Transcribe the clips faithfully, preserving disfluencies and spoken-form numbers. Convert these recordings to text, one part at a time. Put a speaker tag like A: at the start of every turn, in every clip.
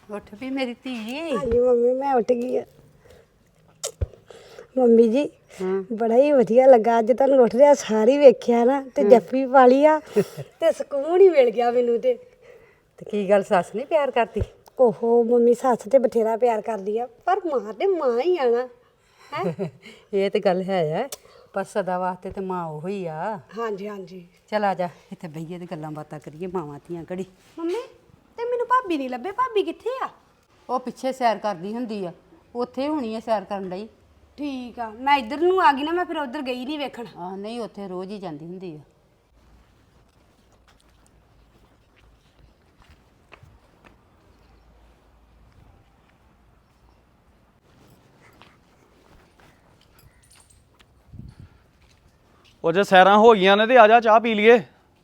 A: ਉੱਠ ਵੀ ਮੇਰੀ ਧੀ।
B: ਹਾਂਜੀ ਮੰਮੀ ਮੈਂ ਉੱਠ ਗਈ ਆ। ਮੰਮੀ ਜੀ ਬੜਾ ਹੀ ਵਧੀਆ ਲੱਗਾ ਅੱਜ ਤੁਹਾਨੂੰ ਉੱਠਦਿਆਂ ਸਾਰੀ ਵੇਖਿਆ ਨਾ ਤੇ ਜੱਫੀ ਪਾ ਲਈ ਆ ਤੇ ਸਕੂਨ ਹੀ ਮਿਲ ਗਿਆ ਮੈਨੂੰ ਤੇ।
A: ਤੇ ਕੀ ਗੱਲ ਸੱਸ ਨਹੀਂ ਪਿਆਰ ਕਰਦੀ?
B: ਓਹੋ ਮੰਮੀ ਸੱਸ ਤੇ ਬਥੇਰਾ ਪਿਆਰ ਕਰਦੀ ਆ ਪਰ ਮਾਂ ਤੇ ਮਾਂ ਹੀ ਆ ਨਾ। ਹੈ
A: ਇਹ ਤੇ ਗੱਲ ਹੈ ਆ, ਪਰ ਸਦਾ ਵਾਸਤੇ ਤੇ ਮਾਂ ਉਹ ਹੀ ਆ।
B: ਹਾਂਜੀ ਹਾਂਜੀ।
A: ਚਲ ਆ ਜਾ ਇੱਥੇ ਬਈਏ ਤੇ ਗੱਲਾਂ ਬਾਤਾਂ ਕਰੀਏ ਮਾਵਾਂ ਧੀਆਂ ਘੜੀ।
B: ਮੰਮੀ ਤੇ ਮੈਨੂੰ ਭਾਬੀ ਨਹੀਂ ਲੱਭੇ, ਭਾਬੀ ਕਿੱਥੇ ਆ?
A: ਉਹ ਪਿੱਛੇ ਸੈਰ ਕਰਦੀ ਹੁੰਦੀ ਆ, ਉੱਥੇ ਹੋਣੀ ਆ ਸੈਰ ਕਰਨ ਲਈ।
B: ਠੀਕ ਆ, ਮੈਂ ਇੱਧਰ ਨੂੰ ਆ ਗਈ ਨਾ, ਮੈਂ ਫਿਰ ਉੱਧਰ ਗਈ ਨਹੀਂ ਵੇਖਣ।
A: ਆਹ ਨਹੀਂ, ਉੱਥੇ ਰੋਜ਼ ਹੀ ਜਾਂਦੀ ਹੁੰਦੀ ਆ।
C: ਉਹ ਜੇ ਸੈਰਾਂ ਹੋ ਗਈਆਂ ਨੇ ਤੇ ਆ ਜਾ ਚਾਹ ਪੀ ਲਈਏ।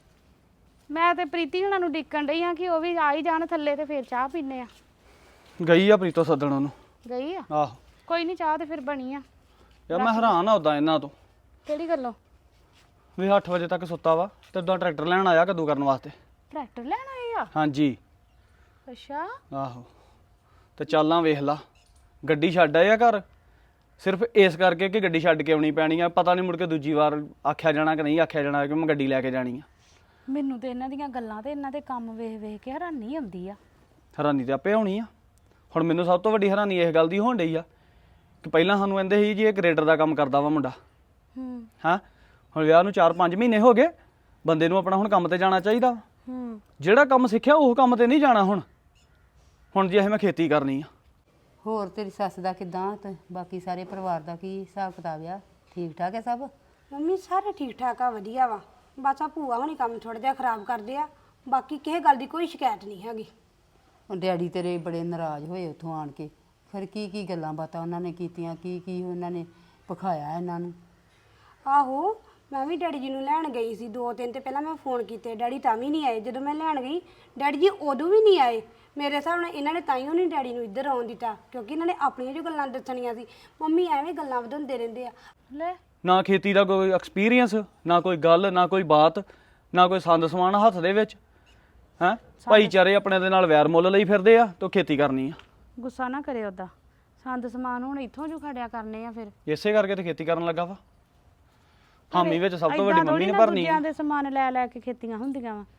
D: ਮੈਂ ਤੇ ਪ੍ਰੀਤੀ ਹੁਣਾਂ ਨੂੰ ਡਿੱਕਣ ਡਈ ਆ ਕਿ ਉਹ ਵੀ ਆ ਹੀ ਜਾਣ ਥੱਲੇ ਤੇ ਫਿਰ ਚਾਹ ਪੀਨੇ ਆ।
C: ਗਈ ਆ ਪ੍ਰੀਤੋ ਸੱਦਣ ਉਹਨੂੰ।
D: ਗਈ ਆ?
C: ਆਹੋ
D: ਕੋਈ ਨਹੀਂ, ਚਾਹ ਤੇ ਫਿਰ ਬਣੀ ਆ।
C: ਯਾਰ ਮੈਂ ਹੈਰਾਨ ਆ ਉਦਾਂ ਇਹਨਾਂ ਤੋਂ
D: ਕਿਹੜੀ ਗੱਲੋਂ?
C: ਵੀ ਅੱਠ ਵਜੇ ਤੱਕ ਸੁੱਤਾ ਵਾ ਤੇ ਉਦਾਂ ਟਰੈਕਟਰ ਲੈਣ ਆਇਆ ਕਦੋਂ ਕਰਨ ਵਾਸਤੇ।
D: ਟਰੈਕਟਰ ਲੈਣ ਆਏ ਆ?
C: ਹਾਂਜੀ।
D: ਅੱਛਾ।
C: ਆਹੋ ਤੇ ਚੱਲਾਂ ਵੇਖ ਲਾ, ਗੱਡੀ ਛੱਡ ਆਏ ਆ ਘਰ ਸਿਰਫ ਇਸ ਕਰਕੇ ਕਿ ਗੱਡੀ ਛੱਡ ਕੇ ਆਉਣੀ ਪੈਣੀ ਆ। ਪਤਾ ਨਹੀਂ ਮੁੜ ਕੇ ਦੂਜੀ ਵਾਰ ਆਖਿਆ ਜਾਣਾ ਕਿ ਨਹੀਂ ਆਖਿਆ ਜਾਣਾ ਕਿ ਮੈਂ ਗੱਡੀ ਲੈ ਕੇ ਜਾਣੀ ਆ।
D: ਮੈਨੂੰ ਤੇ ਇਹਨਾਂ ਦੀਆਂ ਗੱਲਾਂ ਤੇ ਇਹਨਾਂ ਦੇ ਕੰਮ ਵੇਖ ਵੇਖ ਕੇ ਹੈਰਾਨੀ ਆਉਂਦੀ ਆ।
C: ਹੈਰਾਨੀ ਤੇ ਆਪੇ ਹੋਣੀ ਆ। ਹੁਣ ਮੈਨੂੰ ਸਭ ਤੋਂ ਵੱਡੀ ਹੈਰਾਨੀ ਇਸ ਗੱਲ ਦੀ ਹੋਣ ਡਈ ਆ ਕਿ ਪਹਿਲਾਂ ਸਾਨੂੰ ਕਹਿੰਦੇ ਸੀ ਜੀ ਇਹ ਗ੍ਰੇਡਰ ਦਾ ਕੰਮ ਕਰਦਾ ਵਾ ਮੁੰਡਾ।
D: ਹੂੰ।
C: ਹਾਂ ਹੁਣ ਵਿਆਹ ਨੂੰ ਚਾਰ ਪੰਜ ਮਹੀਨੇ ਹੋ ਗਏ, ਬੰਦੇ ਨੂੰ ਆਪਣਾ ਹੁਣ ਕੰਮ ਤੇ ਜਾਣਾ ਚਾਹੀਦਾ।
D: ਹੂੰ।
C: ਜਿਹੜਾ ਕੰਮ ਸਿੱਖਿਆ ਉਹ ਕੰਮ ਤੇ ਨਹੀਂ ਜਾਣਾ। ਹੁਣ ਹੁਣ ਜੇ ਮੈਂ ਖੇਤੀ ਕਰਨੀ ਆ।
A: ਹੋਰ ਤੇਰੀ ਸੱਸ ਦਾ ਕਿਦਾਂ ਤੇ ਬਾਕੀ ਸਾਰੇ ਪਰਿਵਾਰ ਦਾ ਕੀ ਹਿਸਾਬ ਕਿਤਾਬ ਆ? ਠੀਕ ਠਾਕ ਹੈ ਸਭ?
B: ਮੰਮੀ ਸਾਰੇ ਠੀਕ ਠਾਕ ਆ, ਵਧੀਆ ਵਾ। ਬਸ ਆ ਭੂਆ ਹੁਣੀ ਕੰਮ ਥੋੜਾ ਜਿਹਾ ਖਰਾਬ ਕਰਦੇ ਆ, ਬਾਕੀ ਕਿਸੇ ਗੱਲ ਦੀ ਕੋਈ ਸ਼ਿਕਾਇਤ ਨਹੀਂ ਹੈਗੀ।
A: ਉਹ ਡੈਡੀ ਤੇਰੇ ਬੜੇ ਨਾਰਾਜ਼ ਹੋਏ ਉੱਥੋਂ ਆਣ ਕੇ। ਫਿਰ ਕੀ ਕੀ ਗੱਲਾਂ ਬਾਤਾਂ ਉਹਨਾਂ ਨੇ ਕੀਤੀਆਂ, ਕੀ ਕੀ ਉਹਨਾਂ ਨੇ ਪਖਾਇਆ ਇਹਨਾਂ ਨੂੰ?
B: ਆਹੋ ਮੈਂ ਵੀ ਡੈਡੀ ਜੀ ਨੂੰ ਲੈਣ ਗਈ ਸੀ, ਦੋ ਦਿਨ ਤੇ ਪਹਿਲਾਂ ਮੈਂ ਫੋਨ ਕੀਤੇ, ਡੈਡੀ ਤਾਂ ਵੀ ਨਹੀਂ ਆਏ। ਜਦੋਂ ਮੈਂ ਲੈਣ ਗਈ ਡੈਡੀ ਜੀ ਉਦੋਂ ਵੀ ਨਹੀਂ ਆਏ। ਮੇਰੇ ਹਿਸਾਬ ਨਾਲ ਇਹਨਾਂ ਨੇ ਤਾਈਓ ਨਹੀਂ ਡੈਡੀ ਨੂੰ ਇੱਧਰ ਆਉਣ ਦਿੱਤਾ, ਕਿਉਂਕਿ ਇਹਨਾਂ ਨੇ ਆਪਣੀਆਂ ਜੋ ਗੱਲਾਂ ਦੱਸਣੀਆਂ ਸੀ। ਮੰਮੀ ਐਵੇਂ ਗੱਲਾਂ ਵਧਾਉਂਦੇ ਰਹਿੰਦੇ ਆ।
D: ਲੈ
C: ਨਾ ਖੇਤੀ ਦਾ ਕੋਈ ਐਕਸਪੀਰੀਅੰਸ, ਨਾ ਕੋਈ ਗੱਲ, ਨਾ ਕੋਈ ਬਾਤ, ਨਾ ਕੋਈ ਸੰਦ ਸਮਾਨ ਹੱਥ ਦੇ ਵਿੱਚ। ਹੈਂ ਭਾਈਚਾਰੇ ਆਪਣੇ ਦੇ ਨਾਲ ਵੈਰ ਮੁੱਲ ਲਈ ਫਿਰਦੇ ਆ ਤੇ ਖੇਤੀ ਕਰਨੀ ਆ।
D: ਗੁੱਸਾ ਨਾ ਕਰੇ ਉਹਦਾ, ਸੰਦ ਸਮਾਨ ਹੁਣ ਇੱਥੋਂ ਜੂ ਖੜਿਆ ਕਰਨੇ ਆ। ਫਿਰ
C: ਇਸੇ ਕਰਕੇ ਤੇ ਖੇਤੀ ਕਰਨ ਲੱਗਾ ਵਾ। ਹਾਮੀ ਵਿੱਚ ਸਭ ਤੋਂ
D: ਏਦਾਂ
C: ਵੱਡੀ ਮੰਮੀ
D: ਥੋੜ੍ਹੀ
C: ਨੇ
D: ਨਾ
C: ਭਰਨੀ
D: ਦੂਜਿਆਂ
C: ਆ।
D: ਦੇ ਸਮਾਨ ਲੈ ਲੈ ਕੇ ਖੇਤੀਆਂ ਹੁੰਦੀਆਂ ਵਾ।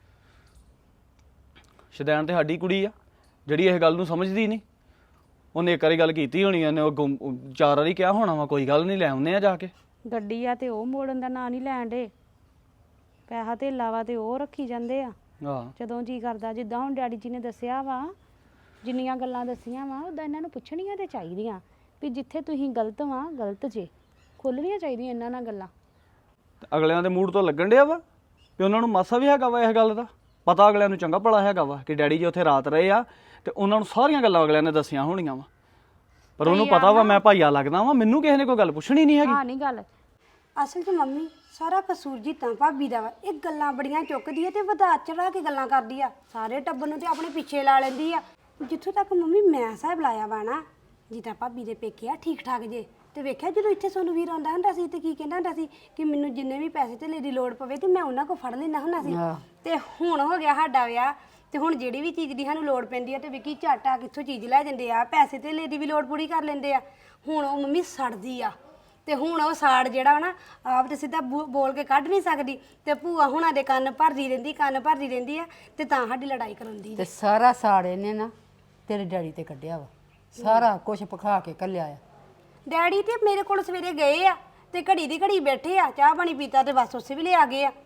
C: ਸ਼ਦੈਣ ਤੇ ਸਾਡੀ ਕੁੜੀ ਆ ਜਿਹੜੀ ਇਹ ਗੱਲ ਨੂੰ ਸਮਝਦੀ ਨਹੀਂ। ਉਹਨੇ ਇੱਕ ਵਾਰੀ ਗੱਲ ਕੀਤੀ ਹੋਣੀ, ਉਹਨੇ ਉਹ ਗੁੰਮ- ਚਾਰ ਵਾਰੀ ਕਿਹਾ ਹੋਣਾ ਵਾ ਕੋਈ ਗੱਲ ਨਹੀਂ ਲੈ ਆਉਂਦੇ ਆ ਜਾ ਕੇ।
D: ਗੱਡੀ ਆ ਤੇ ਉਹ ਮੋੜਨ ਦਾ ਨਾਂ ਨਹੀਂ ਲੈਣ ਡੇ। ਪੈਸਾ ਧੇਲਾ ਵਾ ਤੇ ਉਹ ਰੱਖੀ ਜਾਂਦੇ ਆ
C: ਆਹ
D: ਜਦੋਂ ਜੀ ਕਰਦਾ। ਜਿੱਦਾਂ ਹੁਣ ਡੈਡੀ ਜੀ ਨੇ ਦੱਸਿਆ ਵਾ, ਜਿੰਨੀਆਂ ਗੱਲਾਂ ਦੱਸੀਆਂ ਵਾ ਉਦਾਂ ਇਹਨਾਂ ਨੂੰ ਪੁੱਛਣੀਆਂ ਤੇ ਚਾਹੀਦੀਆਂ ਵੀ ਜਿੱਥੇ ਤੁਸੀਂ ਗਲਤ ਵਾ ਗਲਤ ਜੇ। ਖੁੱਲ੍ਹਣੀਆਂ ਚਾਹੀਦੀਆਂ ਇਹਨਾਂ ਨਾਲ ਗੱਲਾਂ।
C: ਤੇ ਅਗਲਿਆਂ ਦੇ ਮੂਡ ਤੋਂ ਲੱਗਣ ਡਿਆ ਵਾ ਵੀ ਉਹਨਾਂ ਨੂੰ ਮਾਸਾ ਵੀ ਹੈਗਾ ਵਾ ਇਸ ਗੱਲ ਦਾ ਪਤਾ। ਅਗਲਿਆਂ ਨੂੰ ਚੰਗਾ ਭਲਾ ਹੈਗਾ ਵਾ ਕਿ ਡੈਡੀ ਜੀ ਉੱਥੇ ਰਾਤ ਰਹੇ ਆ ਤੇ ਉਹਨਾਂ ਨੂੰ ਸਾਰੀਆਂ ਗੱਲਾਂ ਅਗਲਿਆਂ ਨੇ ਦੱਸੀਆਂ ਹੋਣੀਆਂ ਵਾ। ਪਰ ਉਹਨੂੰ ਪਤਾ ਵਾ ਮੈਂ ਭਾਈਆ ਲੱਗਦਾ ਵਾ, ਮੈਨੂੰ ਕਿਸੇ ਨੇ ਕੋਈ ਗੱਲ ਪੁੱਛਣੀ ਨਹੀਂ ਹੈਗੀ।
D: ਹਾਂ ਨਹੀਂ ਗੱਲ।
B: ਅਸਲ 'ਚ ਮੰਮੀ ਸਾਰਾ ਕਸੂਰ ਜੀ ਤਾਂ ਭਾਬੀ ਦਾ ਵਾ। ਇਹ ਗੱਲਾਂ ਬੜੀਆਂ ਚੁੱਕਦੀ ਹੈ ਤੇ ਵਧਾ ਚੜਾ ਕੇ ਗੱਲਾਂ ਕਰਦੀ ਆ। ਸਾਰੇ ਟੱਬਰ ਨੂੰ ਤੇ ਆਪਣੇ ਪਿੱਛੇ ਲਾ ਲੈਂਦੀ ਆ। ਜਿੱਥੋਂ ਤੱਕ ਮੰਮੀ ਮੈਂ ਹਿਸਾਬ ਲਾਇਆ ਵਾ ਨਾ, ਜਿੱਦਾਂ ਭਾਬੀ ਦੇ ਪੇਕੇ ਆ ਠੀਕ ਠਾਕ ਜੇ। ਤੇ ਵੇਖਿਆ ਜਦੋਂ ਇੱਥੇ ਸੋਨੂੰ ਵੀਰ ਆਉਂਦਾ ਹੁੰਦਾ ਸੀ ਤੇ ਕੀ ਕਹਿੰਦਾ ਹੁੰਦਾ ਸੀ ਕਿ ਮੈਨੂੰ ਜਿੰਨੇ ਵੀ ਪੈਸੇ ਧੇਲੇ ਦੀ ਲੋੜ ਪਵੇ ਤੇ ਮੈਂ ਉਹਨਾਂ ਕੋਲ ਫੜ ਲੈਂਦਾ ਹੁੰਦਾ ਸੀ। ਤੇ ਹੁਣ ਹੋ ਗਿਆ ਸਾਡਾ ਵਿਆਹ ਤੇ ਹੁਣ ਜਿਹੜੀ ਵੀ ਚੀਜ਼ ਦੀ ਸਾਨੂੰ ਲੋੜ ਪੈਂਦੀ ਆ ਤੇ ਵਿੱਕੀ ਝੱਟ ਆ ਕਿੱਥੋਂ ਚੀਜ਼ ਲੈ ਜਾਂਦੇ ਆ, ਪੈਸੇ ਧੇਲੇ ਦੀ ਵੀ ਲੋੜ ਪੂਰੀ ਕਰ ਲੈਂਦੇ ਆ। ਹੁਣ ਉਹ ਮੰਮੀ ਸੜਦੀ ਆ ਤੇ ਹੁਣ ਉਹ ਸਾੜ ਜਿਹੜਾ ਵਾ ਨਾ ਆਪ ਤੇ ਸਿੱਧਾ ਬੋਲ ਕੇ ਕੱਢ ਨਹੀਂ ਸਕਦੀ ਤੇ ਭੂਆ ਹੁਣਾਂ ਦੇ ਕੰਨ ਭਰਦੀ ਰਹਿੰਦੀ ਕੰਨ ਭਰਦੀ ਰਹਿੰਦੀ ਆ ਤੇ ਤਾਂ ਸਾਡੀ ਲੜਾਈ ਕਰਾਉਂਦੀ।
A: ਤੇ ਸਾਰਾ ਸਾੜ ਇਹਨੇ ਨਾ ਤੇਰੇ ਡੈਡੀ ਤੇ ਕੱਢਿਆ ਵਾ, ਸਾਰਾ ਕੁਝ ਪਖਾ ਕੇ ਘੱਲਿਆ ਆ।
B: ਡੈਡੀ ਤੇ ਮੇਰੇ ਕੋਲ ਸਵੇਰੇ ਗਏ ਆ ਤੇ ਘੜੀ ਦੀ ਘੜੀ ਬੈਠੇ ਆ, ਚਾਹ ਪਾਣੀ ਪੀਤਾ ਤੇ ਬਸ ਉਸੇ ਵੇਲੇ ਆ ਗਏ ਆ।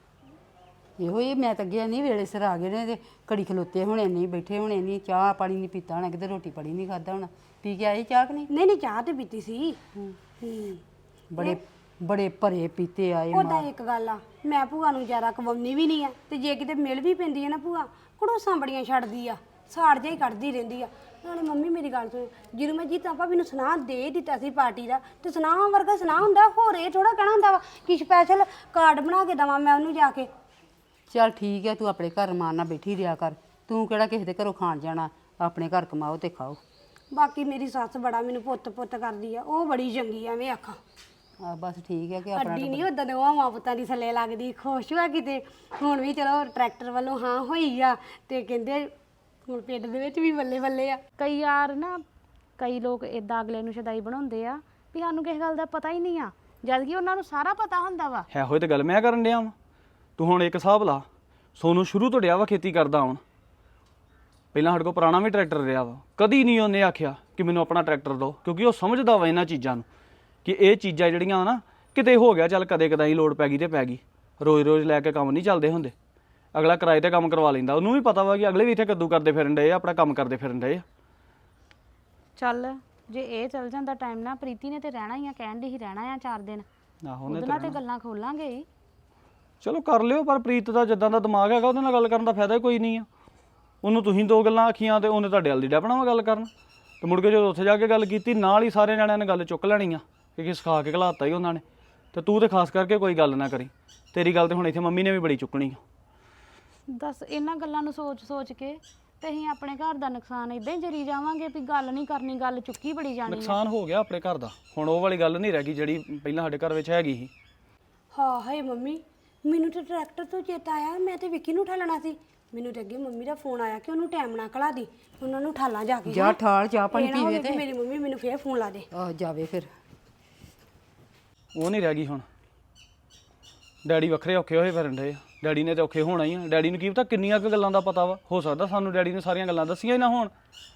A: ਇਹੋ ਹੀ ਮੈਂ ਤਾਂ ਅੱਗੇ ਨਹੀਂ ਵੇਲੇ ਸਿਰ ਆ ਗਏ ਨੇ ਤੇ ਘੜੀ ਖਲੋਤੇ ਹੋਣੇ ਨਹੀਂ, ਬੈਠੇ ਹੋਣੇ ਨਹੀਂ, ਚਾਹ ਪਾਣੀ ਨਹੀਂ ਪੀਤਾ ਹੋਣਾ, ਕਿਤੇ ਰੋਟੀ ਪਾਣੀ ਨਹੀਂ ਖਾਦਾ ਹੋਣਾ। ਪੀ ਕੇ ਆਈ ਚਾਹ ਕਿ ਨਹੀਂ?
B: ਨਹੀਂ ਨਹੀਂ ਚਾਹ ਤੇ ਪੀਤੀ ਸੀ। ਹੂੰ
A: ਬੜੇ ਬੜੇ ਭਰੇ ਪੀਤੇ ਆਏ।
B: ਉਹਦਾ ਇੱਕ ਗੱਲ ਆ, ਮੈਂ ਭੂਆ ਨੂੰ ਜ਼ਿਆਦਾ ਕਵਾਉਣੀ ਵੀ ਨਹੀਂ ਆ ਤੇ ਜੇ ਕਿਤੇ ਮਿਲ ਵੀ ਪੈਂਦੀ ਹੈ ਨਾ ਭੂਆ ਕੜੋਸਾਂ ਬੜੀਆਂ ਛੱਡਦੀ ਆ, ਸਾੜ ਜਿਹਾ ਹੀ ਕੱਢਦੀ ਰਹਿੰਦੀ ਆ। ਨਾਲੇ ਮੰਮੀ ਮੇਰੀ ਗੱਲ ਸੁਣ, ਜਦੋਂ ਮੈਂ ਜੀਤਾ ਭਾਬੀ ਨੂੰ ਸੁਨਾਹ ਦੇ ਦਿੱਤਾ ਸੀ ਪਾਰਟੀ ਦਾ ਤੇ ਸੁਨਾਹ ਵਰਗਾ ਸੁਨਾਹ ਹੁੰਦਾ ਹੋਰ ਇਹ ਥੋੜਾ ਕਹਿਣਾ ਹੁੰਦਾ ਵਾ ਕਿ ਸਪੈਸ਼ਲ ਕਾਰਡ ਬਣਾ ਕੇ ਦੇਵਾਂ ਮੈਂ ਉਹਨੂੰ ਜਾ ਕੇ।
A: ਚੱਲ ਠੀਕ ਹੈ, ਤੂੰ ਆਪਣੇ ਘਰ ਰਮਾਨ ਨਾਲ ਬੈਠੀ ਰਿਹਾ ਕਰ। ਤੂੰ ਕਿਹੜਾ ਕਿਸੇ ਦੇ ਘਰੋਂ ਖਾਣ ਜਾਣਾ, ਆਪਣੇ ਘਰ ਕਮਾਓ ਤੇ ਖਾਓ।
B: ਬਾਕੀ ਮੇਰੀ ਸੱਸ ਬੜਾ ਮੈਨੂੰ ਪੁੱਤ ਪੁੱਤ ਕਰਦੀ ਆ, ਉਹ ਬੜੀ ਚੰਗੀ ਆ। ਐਵੇਂ ਆਖਾਂ
A: ਆ ਬਸ ਠੀਕ ਹੈ ਕਿ ਆਪਣਾ
B: ਅੱਡੀ ਨਹੀਂ ਉਦਾਂ ਦੇ ਮਾਂ ਪੁੱਤਾਂ ਦੀ ਥੱਲੇ ਲੱਗਦੀ, ਖੁਸ਼ ਹੋਇਆ ਕਿਤੇ। ਹੁਣ ਵੀ ਚਲੋ ਟਰੈਕਟਰ ਵੱਲੋਂ ਹਾਂ ਹੋਈ ਆ ਤੇ ਕਹਿੰਦੇ ਹੁਣ ਪਿੰਡ ਦੇ ਵਿੱਚ ਵੀ ਬੱਲੇ ਬੱਲੇ ਆ।
D: ਕਈ ਯਾਰ ਨਾ ਕਈ ਲੋਕ ਇਦਾਂ ਅਗਲੇ ਨੂੰ ਸ਼ਦਾਈ ਬਣਾਉਂਦੇ ਆ ਵੀ ਸਾਨੂੰ ਕਿਸੇ ਗੱਲ ਦਾ ਪਤਾ ਹੀ ਨਹੀਂ ਆ, ਜਦ ਕਿ ਉਹਨਾਂ ਨੂੰ ਸਾਰਾ ਪਤਾ ਹੁੰਦਾ ਵਾ।
C: ਹੈ ਹੋਏ ਤੇ ਗੱਲ ਮੈਂ ਕਰਨ ਡਿਆ ਵਾਂ। ਤੂੰ ਹੁਣ ਇੱਕ ਹਿਸਾਬ ਲਾ, ਸੋਨੂੰ ਸ਼ੁਰੂ ਤੋਂ ਡਿਆ ਵਾ ਖੇਤੀ ਕਰਦਾ ਹੁਣ। ਪਹਿਲਾਂ ਸਾਡੇ ਕੋਲ ਪੁਰਾਣਾ ਵੀ ਟਰੈਕਟਰ ਰਿਹਾ ਵਾ, ਕਦੀ ਨਹੀਂ ਉਹਨੇ ਆਖਿਆ ਕਿ ਮੈਨੂੰ ਆਪਣਾ ਟਰੈਕਟਰ ਦਿਓ, ਕਿਉਂਕਿ ਉਹ ਸਮਝਦਾ ਵਾ ਇਹਨਾਂ ਚੀਜ਼ਾਂ ਨੂੰ ਕਿ ਇਹ ਚੀਜ਼ਾਂ ਜਿਹੜੀਆਂ ਨਾ ਕਿਤੇ ਹੋ ਗਿਆ ਚੱਲ ਕਦੇ ਕਦਾਈ ਲੋੜ ਪੈ ਗਈ ਤੇ ਪੈ ਗਈ, ਰੋਜ਼ ਰੋਜ਼ ਲੈ ਕੇ ਕੰਮ ਨਹੀਂ ਚੱਲਦੇ ਹੁੰਦੇ। ਅਗਲਾ ਕਿਰਾਏ ਤੇ ਕੰਮ ਕਰਵਾ ਲੈਂਦਾ, ਉਹਨੂੰ ਵੀ ਪਤਾ ਵਾ ਕਿ ਅਗਲੇ ਵੀ ਇੱਥੇ ਕੱਦੂ ਕਰਦੇ ਫਿਰਨ ਡਏ ਆ, ਆਪਣਾ ਕੰਮ ਕਰਦੇ ਫਿਰਨ ਡਏ ਆ।
D: ਚੱਲ ਜੇ ਇਹ ਚੱਲ ਜਾਂਦਾ ਟਾਈਮ ਨਾਲ, ਪ੍ਰੀਤੀ ਨੇ ਤੇ ਰਹਿਣਾ ਹੀ ਆ, ਕਹਿਣ ਦੀ ਹੀ ਰਹਿਣਾ ਆ ਚਾਰ ਦਿਨ,
C: ਆਹੋ
D: ਉਹਦੇ ਨਾਲ ਤੇ ਗੱਲਾਂ ਖੋਲਾਂਗੇ ਹੀ।
C: ਚਲੋ ਕਰ ਲਿਓ, ਪਰ ਪ੍ਰੀਤ ਦਾ ਜਿੱਦਾਂ ਦਾ ਦਿਮਾਗ ਹੈਗਾ ਉਹਦੇ ਨਾਲ ਗੱਲ ਕਰਨ ਦਾ ਫਾਇਦਾ ਹੀ ਕੋਈ ਨਹੀਂ ਆ। ਉਹਨੂੰ ਤੁਸੀਂ ਦੋ ਗੱਲਾਂ ਆਖੀਆਂ ਤੇ ਉਹਨੇ ਤੁਹਾਡੇ ਵੱਲ ਦੀ ਡੈਪਣਾ ਵਾ ਗੱਲ ਕਰਨ, ਤੇ ਮੁੜ ਕੇ ਜਦੋਂ ਉੱਥੇ ਜਾ ਕੇ ਗੱਲ ਕੀਤੀ ਨਾਲ ਹੀ ਸਾਰੇ ਜਣਿਆਂ ਨੇ ਗੱਲ ਚੁੱਕ ਲੈਣੀ ਆ ਕਿ ਕੀ ਸਿਖਾ ਕੇ ਘਲਾਤਾ ਹੀ ਉਹਨਾਂ ਨੇ। ਤੇ ਤੂੰ ਤੇ ਖਾਸ ਕਰਕੇ ਕੋਈ ਗੱਲ ਨਾ ਕਰੀ, ਤੇਰੀ ਗੱਲ ਤੇ ਹੁਣ ਇੱਥੇ ਮੰਮੀ ਨੇ ਵੀ ਬੜੀ ਚੁੱਕਣੀ ਆ।
D: ਦੱਸ ਇਹਨਾਂ ਗੱਲਾਂ ਨੂੰ ਸੋਚ ਸੋਚ ਕੇ ਤੇ ਅਸੀਂ ਆਪਣੇ ਘਰ ਦਾ ਨੁਕਸਾਨ ਇਦਾਂ ਹੀ ਜਰੀ ਜਾਵਾਂਗੇ ਵੀ ਗੱਲ ਨਹੀਂ ਕਰਨੀ, ਗੱਲ ਚੁੱਕੀ ਬੜੀ ਜਾਣੀ ਆ।
C: ਨੁਕਸਾਨ ਹੋ ਗਿਆ ਆਪਣੇ ਘਰ ਦਾ, ਹੁਣ ਉਹ ਵਾਲੀ ਗੱਲ ਨਹੀਂ ਰਹਿ ਗਈ ਜਿਹੜੀ ਪਹਿਲਾਂ ਸਾਡੇ ਘਰ ਵਿੱਚ ਹੈਗੀ ਸੀ।
B: ਹਾਂ ਹਾਏ ਮੰਮੀ, ਮੈਨੂੰ ਤਾਂ ਟਰੈਕਟਰ ਤੋਂ ਚੇਤਾ ਆਇਆ, ਮੈਂ ਤੇ ਵਿੱਕੀ ਨੂੰ ਠਾਲਣਾ ਸੀ। ਮੈਨੂੰ ਤੇ ਅੱਗੇ ਮੰਮੀ ਦਾ ਫੋਨ ਆਇਆ ਕਿ ਉਹਨੂੰ ਟਾਈਮ ਨਾਲ ਘਲਾ ਦੀ, ਉਹਨਾਂ ਨੂੰ ਠਾਲਾਂ ਜਾ ਕੇ।
A: ਜਾ ਠਾਲ ਚਾਹ ਪਾਣੀ
B: ਇਹ ਨਾ ਹੋਵੇ
A: ਪੀਵੇ
B: ਕਿ
A: ਤੇ
B: ਮੇਰੀ ਮੰਮੀ ਮੈਨੂੰ ਫੇਰ ਫੋਨ ਲਾ ਦੇ।
A: ਆਹ ਜਾਵੇ ਫਿਰ।
C: ਉਹ ਨਹੀਂ ਰਹਿ ਗਈ ਹੁਣ। ਡੈਡੀ ਵੱਖਰੇ ਔਖੇ ਹੋਏ ਫਿਰਨ ਡਏ ਆ, ਡੈਡੀ ਨੇ ਤੇ ਔਖੇ ਹੋਣਾ ਹੀ ਆ। ਡੈਡੀ ਨੂੰ ਕੀ ਪਤਾ ਕਿੰਨੀਆਂ ਕੁ ਗੱਲਾਂ ਦਾ ਪਤਾ ਵਾ, ਹੋ ਸਕਦਾ ਸਾਨੂੰ ਡੈਡੀ ਨੇ ਸਾਰੀਆਂ ਗੱਲਾਂ ਦੱਸੀਆਂ ਹੀ ਨਾ ਹੋਣ।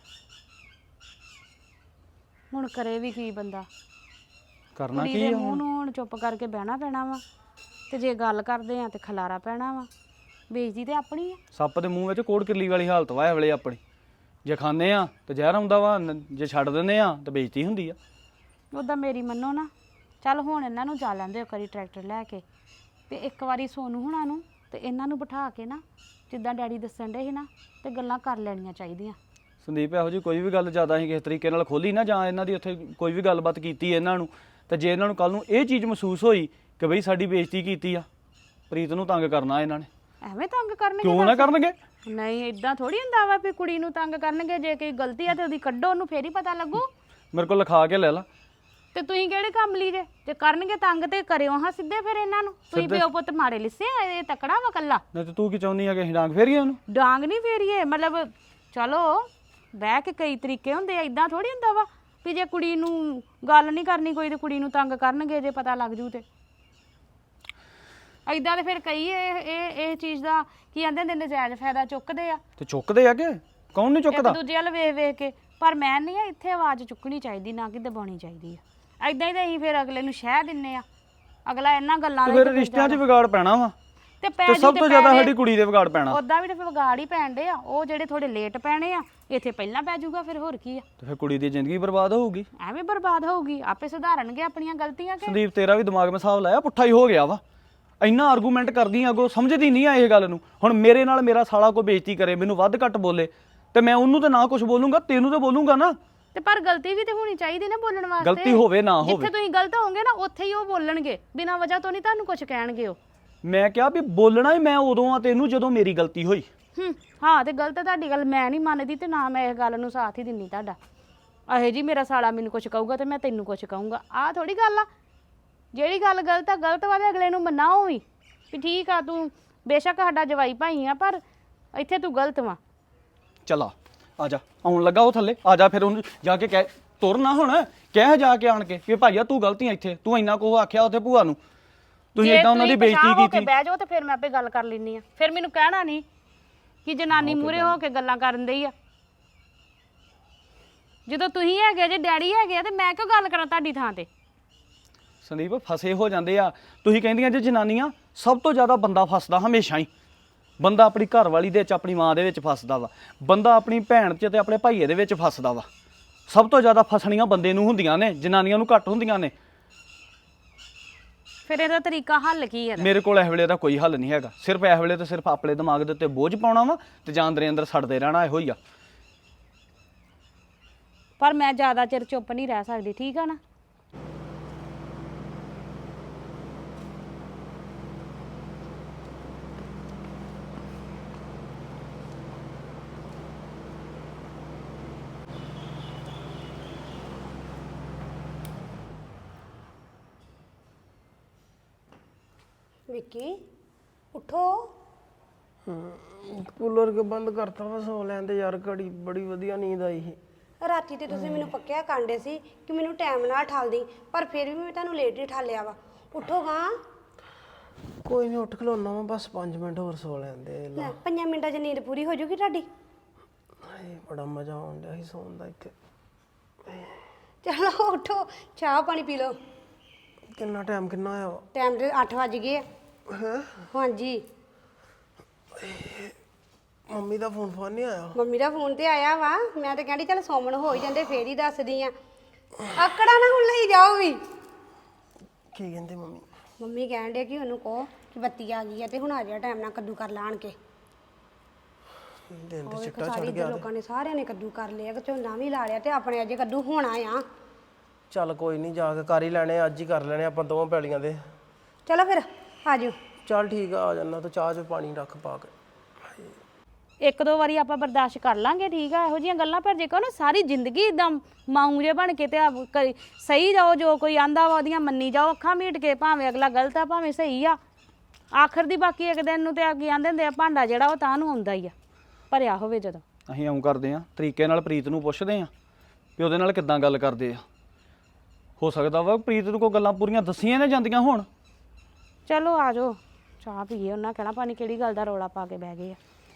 D: ਹੁਣ ਕਰੇ ਵੀ ਕੀ ਬੰਦਾ,
C: ਕਰਨਾ
D: ਕੁੜੀ
C: ਕੀ
D: ਦੇ
C: ਆ
D: ਮੂੰਹ
C: ਹੁਣ।
D: ਨੂੰ ਹੁਣ ਚੁੱਪ ਕਰਕੇ ਬਹਿਣਾ ਪੈਣਾ ਵਾ, ਤੇ ਜੇ ਗੱਲ ਕਰਦੇ ਆ ਤੇ ਖਲਾਰਾ ਪੈਣਾ ਵਾ। ਬੇਇੱਜ਼ਤੀ ਤੇ ਆਪਣੀ ਆ।
C: ਸੱਪ ਦੇ ਮੂੰਹ ਵਿੱਚ ਕੋੜ ਕਿੱਲੀ ਵਾਲੀ ਹਾਲਤ ਵਾ ਇਹ ਵੇਲੇ ਆਪਣੀ। ਜੇ ਖਾਂਦੇ ਆ ਤੇ ਜ਼ਹਿਰ ਆਉਂਦਾ ਵਾ, ਨ- ਜੇ ਛੱਡ ਦਿੰਦੇ ਆ ਤੇ ਬੇਇੱਜ਼ਤੀ ਹੁੰਦੀ ਆ।
D: ਉੱਦਾਂ ਮੇਰੀ ਮੰਨੋ ਨਾ, ਚੱਲ ਹੁਣ ਇਹਨਾਂ ਨੂੰ ਜਾ ਲੈਂਦੇ ਇੱਕ ਵਾਰੀ ਟਰੈਕਟਰ ਲੈ ਕੇ, ਤੇ ਇੱਕ ਵਾਰੀ ਸੋਨੂੰ ਹੁਣਾਂ ਨੂੰ ਤੇ ਇਹਨਾਂ ਨੂੰ ਬਿਠਾ ਕੇ ਨਾ ਜਿੱਦਾਂ ਡੈਡੀ ਦੱਸਣ ਡੇ ਸੀ ਨਾ, ਤੇ ਗੱਲਾਂ ਕਰ ਲੈਣੀਆਂ ਚਾਹੀਦੀਆਂ।
C: ਸੰਦੀਪ ਇਹੋ ਜੀ ਕੋਈ ਵੀ ਗੱਲ ਜ਼ਿਆਦਾ ਅਸੀਂ ਕਿਸੇ ਤਰੀਕੇ ਨਾਲ ਖੋਲੀ ਨਾ, ਜਾਂ ਇਹਨਾਂ ਦੀ ਉੱਥੇ ਕੋਈ ਵੀ ਗੱਲਬਾਤ ਕੀਤੀ ਇਹਨਾਂ ਨੂੰ, ਤੇ ਜੇ ਇਹਨਾਂ ਨੂੰ ਕੱਲ ਨੂੰ ਇਹ ਚੀਜ਼ ਮਹਿਸੂਸ ਹੋਈ ਕਿ ਬਈ ਸਾਡੀ ਬੇਇੱਜ਼ਤੀ ਕੀਤੀ ਆ, ਪ੍ਰੀਤ ਨੂੰ ਤੰਗ ਕਰਨਾ ਇਹਨਾਂ ਨੇ।
D: ਐਵੇਂ ਤੰਗ ਕਰਨਗੇ?
C: ਕਿਉਂ ਨਾ ਕਰਨਗੇ?
D: ਨਹੀਂ ਇਦਾਂ ਥੋੜੀ ਹੁੰਦਾ ਵਾ ਵੀ ਕੁੜੀ ਨੂੰ ਤੰਗ ਕਰਨਗੇ। ਜੇ ਕੋਈ ਗਲਤੀ ਆ ਤੇ ਉਹਦੀ ਕੱਢੋ, ਉਹਨੂੰ ਫੇਰ ਹੀ ਪਤਾ ਲੱਗੂ।
C: ਮੇਰੇ ਕੋਲ ਲਿਖਾ ਕੇ ਲੈ ਲਾ।
D: ਤੇ ਤੁਸੀਂ ਕਿਹੜੇ ਕੰਮ ਲਈ ਜੇ? ਜੇ ਕਰਨਗੇ ਤੰਗ ਤੇ ਕਰਿਓ ਹਾਂ ਸਿੱਧੇ ਫਿਰ ਇਹਨਾਂ ਨੂੰ। ਤੁਸੀਂ ਪਿਓ ਪੁੱਤ ਮਾੜੇ ਲਿੱਸੇ ਆ, ਇਹ ਤਕੜਾ ਵਾ ਕੱਲਾ।
C: ਨਹੀਂ ਤੇ ਤੂੰ ਕੀ ਚਾਹੁੰਦੀ ਆ ਕਿ ਅਸੀਂ ਡਾਂਗ ਫੇਰੀਏ ਉਹਨੂੰ?
D: ਡਾਂਗ ਨਹੀਂ ਫੇਰੀਏ, ਮਤਲਬ ਚਲੋ ਬਹਿ ਕੇ ਕਈ ਤਰੀਕੇ ਹੁੰਦੇ ਆ, ਇਦਾਂ ਥੋੜੀ ਹੁੰਦਾ ਵਾ ਵੀ ਜੇ ਕੁੜੀ ਨੂੰ ਗੱਲ ਨਹੀਂ ਕਰਨੀ ਕੋਈ ਤੇ ਕੁੜੀ ਨੂੰ ਤੰਗ ਕਰਨਗੇ ਜੇ ਪਤਾ ਲੱਗ ਜੂ ਤੇ। ਇਦਾਂ ਤੇ ਫਿਰ ਕਈ ਇਹ ਇਹ ਇਹ ਚੀਜ਼ ਦਾ ਕੀ ਕਹਿੰਦੇ ਨੇ ਨਜਾਇਜ਼ ਫਾਇਦਾ ਚੁੱਕਦੇ ਆ।
C: ਤੇ ਚੁੱਕਦੇ ਆ ਕਿ ਕੌਣ ਨਹੀਂ
D: ਇੱਕ
C: ਚੁੱਕਦਾ?
D: ਦੂਜੇ ਵੱਲ ਵੇਖ ਵੇਖ ਕੇ। ਪਰ ਮੈਂ ਨਹੀਂ ਆ ਇੱਥੇ ਆਵਾਜ਼ ਚੁੱਕਣੀ ਚਾਹੀਦੀ, ਨਾ ਕਿ ਦਬਾਉਣੀ ਚਾਹੀਦੀ ਆ। ਇਦਾਂ ਹੀ ਤਾਂ ਅਸੀਂ ਫਿਰ ਅਗਲੇ ਨੂੰ ਸ਼ਹਿ ਦਿੰਨੇ ਆ, ਅਗਲਾ ਇਹਨਾਂ ਗੱਲਾਂ
C: ਤੇ
D: ਦਾ
C: ਫਿਰ ਰਿਸ਼ਤਿਆਂ 'ਚ ਵਿਗਾੜ ਪੈਣਾ ਵਾ,
D: ਤੇ
C: ਤੇ ਸਭ ਤੋਂ ਜ਼ਿਆਦਾ ਸਾਡੀ ਕੁੜੀ ਦੇ ਵਿਗਾੜ ਪੈਣਾ।
D: ਉਦਾਂ ਵੀ ਤੇ ਫਿਰ ਵਿਗਾੜ ਹੀ ਪੈਣ ਡੇ ਆ। ਉਹ ਜਿਹੜੇ ਥੋੜੇ ਲੇਟ ਪੈਣੇ ਆ, ਇੱਥੇ ਪਹਿਲਾਂ ਪੈ ਜਾਊਗਾ, ਫਿਰ ਹੋਰ ਕੀ ਆ।
C: ਤੇ ਫਿਰ ਕੁੜੀ ਦੀ ਜ਼ਿੰਦਗੀ ਬਰਬਾਦ ਹੋਊਗੀ।
D: ਐਵੇਂ ਬਰਬਾਦ ਹੋਊਗੀ, ਆਪੇ ਸੁਧਾਰਨਗੇ ਆਪਣੀਆਂ ਗਲਤੀਆਂ ਕਿ।
C: ਸੰਦੀਪ ਤੇਰਾ ਵੀ ਦਿਮਾਗ ਮੈਂ ਹਿਸਾਬ ਲਾਇਆ ਪੁੱਠਾ ਹੀ ਹੋ ਗਿਆ ਵਾ। ਇੰਨਾ ਆਰਗੂਮੈਂਟ ਕਰਦੀ ਆ, ਅੱਗੋਂ ਸਮਝਦੀ ਨਹੀਂ ਆ ਇਹ ਗੱਲ ਨੂੰ। ਹੁਣ ਮੇਰੇ ਨਾਲ ਮੇਰਾ ਸਾਲਾ ਕੋਈ ਬੇਇੱਜ਼ਤੀ ਕਰੇ, ਮੈਨੂੰ ਵੱਧ ਘੱਟ ਬੋਲੇ, ਤੇ ਮੈਂ ਉਹਨੂੰ ਤੇ ਨਾ ਕੁਝ ਬੋਲੂੰਗਾ, ਤੈਨੂੰ ਤੇ ਬੋਲੂੰਗਾ ਨਾ।
D: ਤੇ ਪਰ ਗਲਤੀ ਵੀ ਤੇ ਹੋਣੀ ਚਾਹੀਦੀ ਨਾ ਬੋਲਣ ਵਾਸਤੇ।
C: ਗਲਤੀ ਹੋਵੇ ਨਾ ਹੋਵੇ,
D: ਜਿੱਥੇ ਤੁਸੀਂ ਗਲਤ ਹੋਵੋਗੇ ਨਾ ਉੱਥੇ ਹੀ ਉਹ ਬੋਲਣਗੇ, ਬਿਨਾਂ ਵਜ੍ਹਾ ਤੋਂ ਨਹੀਂ ਤੁਹਾਨੂੰ ਕੁਝ ਕਹਿਣਗੇ ਉਹ।
C: ਮੈਂ ਕਿਹਾ ਵੀ ਬੋਲਣਾ ਹੀ ਮੈਂ ਉਦੋਂ ਆ ਤੈਨੂੰ ਜਦੋਂ ਮੇਰੀ ਗਲਤੀ ਹੋਈ।
D: ਹੂੰ ਹਾਂ, ਤੇ ਗਲਤ ਤੁਹਾਡੀ ਗੱਲ ਮੈਂ ਨਹੀਂ ਮੰਨਦੀ, ਤੇ ਨਾ ਮੈਂ ਇਸ ਗੱਲ ਨੂੰ ਸਾਥ ਹੀ ਦਿੰਨੀ ਤੁਹਾਡਾ। ਅਹੇ ਜੀ ਮੇਰਾ ਸਾਲਾ ਮੈਨੂੰ ਕੁਝ ਕਹੂਗਾ ਤੇ ਮੈਂ ਤੈਨੂੰ ਕੁਝ ਕਹੂੰਗਾ, ਆਹ ਥੋੜੀ ਗੱਲ ਆ। ਜਿਹੜੀ ਗੱਲ ਗਲਤ ਆ ਗਲਤ ਵਾ ਤੇ ਅਗਲੇ ਨੂੰ ਮਨਾਓ ਵੀ ਵੀ ਠੀਕ ਆ, ਤੂੰ ਬੇਸ਼ੱਕ ਸਾਡਾ ਜਵਾਈ ਭਾਈ ਆ, ਪਰ ਇੱਥੇ ਤੂੰ ਗਲਤ ਵਾ।
C: ਚਲਾ ਆ ਜਾ, ਆਉਣ ਲੱਗਾ ਉਹ ਥੱਲੇ, ਆ ਜਾ। ਫਿਰ ਉਹਨੂੰ ਜਾ ਕੇ ਕਹਿ, ਤੁਰਨਾ ਹੁਣ ਕਹਿ ਜਾ ਕੇ ਆਣ ਕੇ ਕਿ ਭਾਈਆ ਤੂੰ ਗਲਤੀ ਆ, ਇੱਥੇ ਤੂੰ ਇੰਨਾ ਕੁ ਆਖਿਆ ਉੱਥੇ ਭੂਆ ਨੂੰ, ਤੁਸੀਂ ਇਦਾਂ ਉਹਨਾਂ ਦੀ ਬੇਇੱਜ਼ਤੀ ਕੀਤੀ।
D: ਬਹਿ ਜਾਓ ਤੇ ਫਿਰ ਮੈਂ ਆਪੇ ਗੱਲ ਕਰ ਲੈਣੀ ਆ। ਫਿਰ ਮੈਨੂੰ ਕਹਿਣਾ ਨਹੀਂ ਕਿ ਜਨਾਨੀ ਮੂਹਰੇ ਹੋ ਕੇ ਗੱਲਾਂ ਕਰਨ ਦਈ ਆ। ਜਦੋਂ ਤੁਸੀਂ ਹੈਗੇ ਜੇ, ਡੈਡੀ ਹੈਗੇ ਆ, ਤੇ ਮੈਂ ਕਿਉਂ ਗੱਲ ਕਰਾਂ ਤੁਹਾਡੀ ਥਾਂ ਤੇ?
C: ਸੰਦੀਪ ਫਸੇ ਹੋ ਜਾਂਦੇ ਆ। ਤੁਸੀਂ ਕਹਿੰਦੀਆਂ ਜੇ ਜਨਾਨੀਆਂ, ਸਭ ਤੋਂ ਜ਼ਿਆਦਾ ਬੰਦਾ ਫਸਦਾ ਹਮੇਸ਼ਾ ਹੀ। ਬੰਦਾ ਆਪਣੀ ਘਰ ਵਾਲੀ ਦੇ ਵਿੱਚ, ਆਪਣੀ ਮਾਂ ਦੇ ਵਿੱਚ ਫਸਦਾ ਵਾ। ਬੰਦਾ ਆਪਣੀ ਭੈਣ 'ਚ ਤੇ ਆਪਣੇ ਭਾਈਏ ਦੇ ਵਿੱਚ ਫਸਦਾ ਵਾ। ਸਭ ਤੋਂ ਜ਼ਿਆਦਾ ਫਸਣੀਆਂ ਬੰਦੇ ਨੂੰ ਹੁੰਦੀਆਂ ਨੇ, ਜਨਾਨੀਆਂ ਨੂੰ ਘੱਟ ਹੁੰਦੀਆਂ ਨੇ।
D: ਫਿਰ ਇਹਦਾ ਤਰੀਕਾ ਹੱਲ ਕੀ ਹੈ?
C: ਮੇਰੇ ਕੋਲ ਇਸ ਵੇਲੇ ਦਾ ਕੋਈ ਹੱਲ ਨਹੀਂ ਹੈਗਾ। ਸਿਰਫ ਇਸ ਵੇਲੇ ਤੇ ਸਿਰਫ ਆਪਣੇ ਦਿਮਾਗ ਦੇ ਉੱਤੇ ਬੋਝ ਪਾਉਣਾ ਵਾ ਤੇ ਜਾਂ ਅੰਦਰੇ ਅੰਦਰ ਸੜਦੇ ਰਹਿਣਾ, ਇਹੋ ਹੀ ਆ।
D: ਪਰ ਮੈਂ ਜ਼ਿਆਦਾ ਚਿਰ ਚੁੱਪ ਨਹੀਂ ਰਹਿ ਸਕਦੀ, ਠੀਕ ਆ ਨਾ?
B: ਵਿੱਕੀ ਉੱਠੋ,
E: ਕੂਲਰ ਕੇ ਬੰਦ ਕਰਤਾ ਵਾ ਸੌ ਲੈਣ ਤੇ ਯਾਰ ਘੜੀ ਬੜੀ ਵਧੀਆ ਨੀਂਦ ਆਈ ਸੀ।
B: ਰਾਤੀ ਤੇ ਤੁਸੀਂ ਮੈਨੂੰ ਪੱਕਿਆ ਕਾਂਡੇ ਸੀ ਕਿ ਮੈਨੂੰ ਟਾਈਮ ਨਾਲ ਠਾਲਦੀ, ਪਰ ਫਿਰ ਵੀ ਮੈਂ ਤੁਹਾਨੂੰ ਲੇਟ ਹੀ ਠਾਲਿਆ ਵਾ। ਉਠੋਗਾ
E: ਕੋਈ ਨਹੀਂ, ਉੱਠ ਖਲੋਣਾ ਵਾ, ਬਸ ਪੰਜ ਮਿੰਟ ਹੋਰ ਸੌ ਲੈਣ ਦੇ।
B: ਲੈ ਪੰਜਾਂ ਮਿੰਟਾਂ 'ਚ ਨੀਂਦ ਪੂਰੀ ਹੋ ਜੂਗੀ ਤੁਹਾਡੀ।
E: ਹਾਏ ਬੜਾ ਮਜ਼ਾ ਆਉਣ ਡਿਆ ਸੀ ਸੌਣ ਦਾ ਇੱਥੇ।
B: ਚਲੋ ਉਠੋ, ਚਾਹ ਪਾਣੀ ਪੀ ਲਓ।
E: ਕਿੰਨਾ ਟਾਈਮ ਕਿੰਨਾ ਹੋਇਆ ਵਾ?
B: ਟਾਈਮ ਤੇ ਅੱਠ ਵੱਜ ਗਏ ਆ।
E: ਹੈਂ?
B: ਹਾਂਜੀ।
E: ਮੰਮੀ ਦਾ ਫੋਨ ਫੋਨ ਨਹੀਂ ਆਇਆ?
B: ਮੰਮੀ ਦਾ ਫੋਨ ਤੇ ਆਇਆ ਵਾ, ਮੈਂ ਤਾਂ ਕਹਿੰਦੀ ਚੱਲ ਸੌਮਣ ਹੋ ਹੀ ਜਾਂਦੇ ਫੇਰ ਹੀ ਦੱਸਦੀ ਆ। ਆਕੜਾ ਨਾ ਹੁਣ ਲਈ ਜਾਓ ਵੀ।
E: ਕੀ ਕਹਿੰਦੇ ਮੰਮੀ?
B: ਮੰਮੀ ਕਹਿਣ ਡੇ ਕਿ ਉਹਨੂੰ ਕਹੋ ਕਿ ਬੱਤੀ ਆ ਗਈ ਆ ਤੇ ਹੁਣ ਆ ਜਾ ਟਾਈਮ ਨਾਲ ਕੱਦੂ ਕਰ ਲਾਣ ਕੇ।
E: ਦਿਨ ਤੇ
B: ਉਹ
E: ਚਿੱਟਾ
B: ਸਾਰੀ
E: ਚੜ
B: ਇੱਧਰ
E: ਗਿਆ।
B: ਲੋਕਾਂ ਨੇ ਸਾਰਿਆਂ ਨੇ ਕੱਦੂ ਕਰ ਲਿਆ, ਕਿ ਝੋਨਾ ਵੀ ਲਾ ਲਿਆ ਤੇ ਆਪਣੇ ਅਜੇ ਕੱਦੂ ਹੋਣਾ ਆ।
E: ਚੱਲ ਕੋਈ ਨਹੀਂ, ਜਾ ਕੇ ਕਰ ਹੀ ਲੈਣੇ, ਅੱਜ ਹੀ ਕਰ ਲੈਣੇ ਆਪਾਂ ਦੋਵਾਂ ਪੈਲੀਆਂ ਦੇ।
B: ਚਲੋ ਫਿਰ ਆ ਜਾਓ।
E: ਚੱਲ ਠੀਕ ਆ, ਆ ਜਾਣਾ ਤੂੰ। ਚਾਹ 'ਚ ਪਾਣੀ ਰੱਖ ਪਾ ਕੇ।
D: ਇੱਕ ਦੋ ਵਾਰੀ ਆਪਾਂ ਬਰਦਾਸ਼ਤ ਕਰ ਲਾਂਗੇ, ਠੀਕ ਆ। ਇਹੋ ਜਿਹੀਆਂ ਗੱਲਾਂ, ਪਰ ਜੇ ਕਹੋ ਨਾ ਸਾਰੀ ਜ਼ਿੰਦਗੀ ਇਦਾਂ ਮਾਊ ਜੇ ਬਣ ਕੇ ਤੇ ਆ ਕਰੀ- ਸਹੀ ਜਾਓ, ਜੋ ਕੋਈ ਆਂਦਾ ਵਾ ਉਹਦੀਆਂ ਮੰਨੀ ਜਾਓ, ਅੱਖਾਂ ਮੀਟ ਕੇ, ਭਾਵੇਂ ਅਗਲਾ ਗਲਤ ਆ ਭਾਵੇਂ ਸਹੀ ਆ। ਆਖਰ ਦੀ ਬਾਕੀ ਇੱਕ ਦਿਨ ਨੂੰ ਤੇ ਅੱਗੇ ਆਂਦੇ ਹੁੰਦੇ ਆ ਭਾਂਡਾ ਜਿਹੜਾ ਉਹ ਤਾਂ ਨੂੰ ਆਉਂਦਾ ਹੀ ਆ, ਭਰਿਆ ਹੋਵੇ ਜਦੋਂ।
C: ਅਸੀਂ ਇਉਂ ਕਰਦੇ ਆ, ਤਰੀਕੇ ਨਾਲ ਪ੍ਰੀਤ ਨੂੰ ਪੁੱਛਦੇ ਆ ਵੀ ਉਹਦੇ ਨਾਲ ਕਿੱਦਾਂ ਗੱਲ ਕਰਦੇ ਆ। ਹੋ ਸਕਦਾ ਵਾ ਪ੍ਰੀਤ ਨੂੰ ਕੋਈ ਗੱਲਾਂ ਪੂਰੀਆਂ ਦੱਸੀਆਂ ਨੇ ਜਾਂਦੀਆਂ ਹੋਣ।
D: ਚਲੋ ਆ ਜਾਓ, ਚਾਹ ਪੀਏ। ਉਹਨਾਂ ਕਹਿਣਾ ਪਾਣੀ ਕਿਹੜੀ ਗੱਲ ਦਾ ਰੌਲਾ ਪਾ ਕੇ ਬਹਿ ਗਏ ਆ।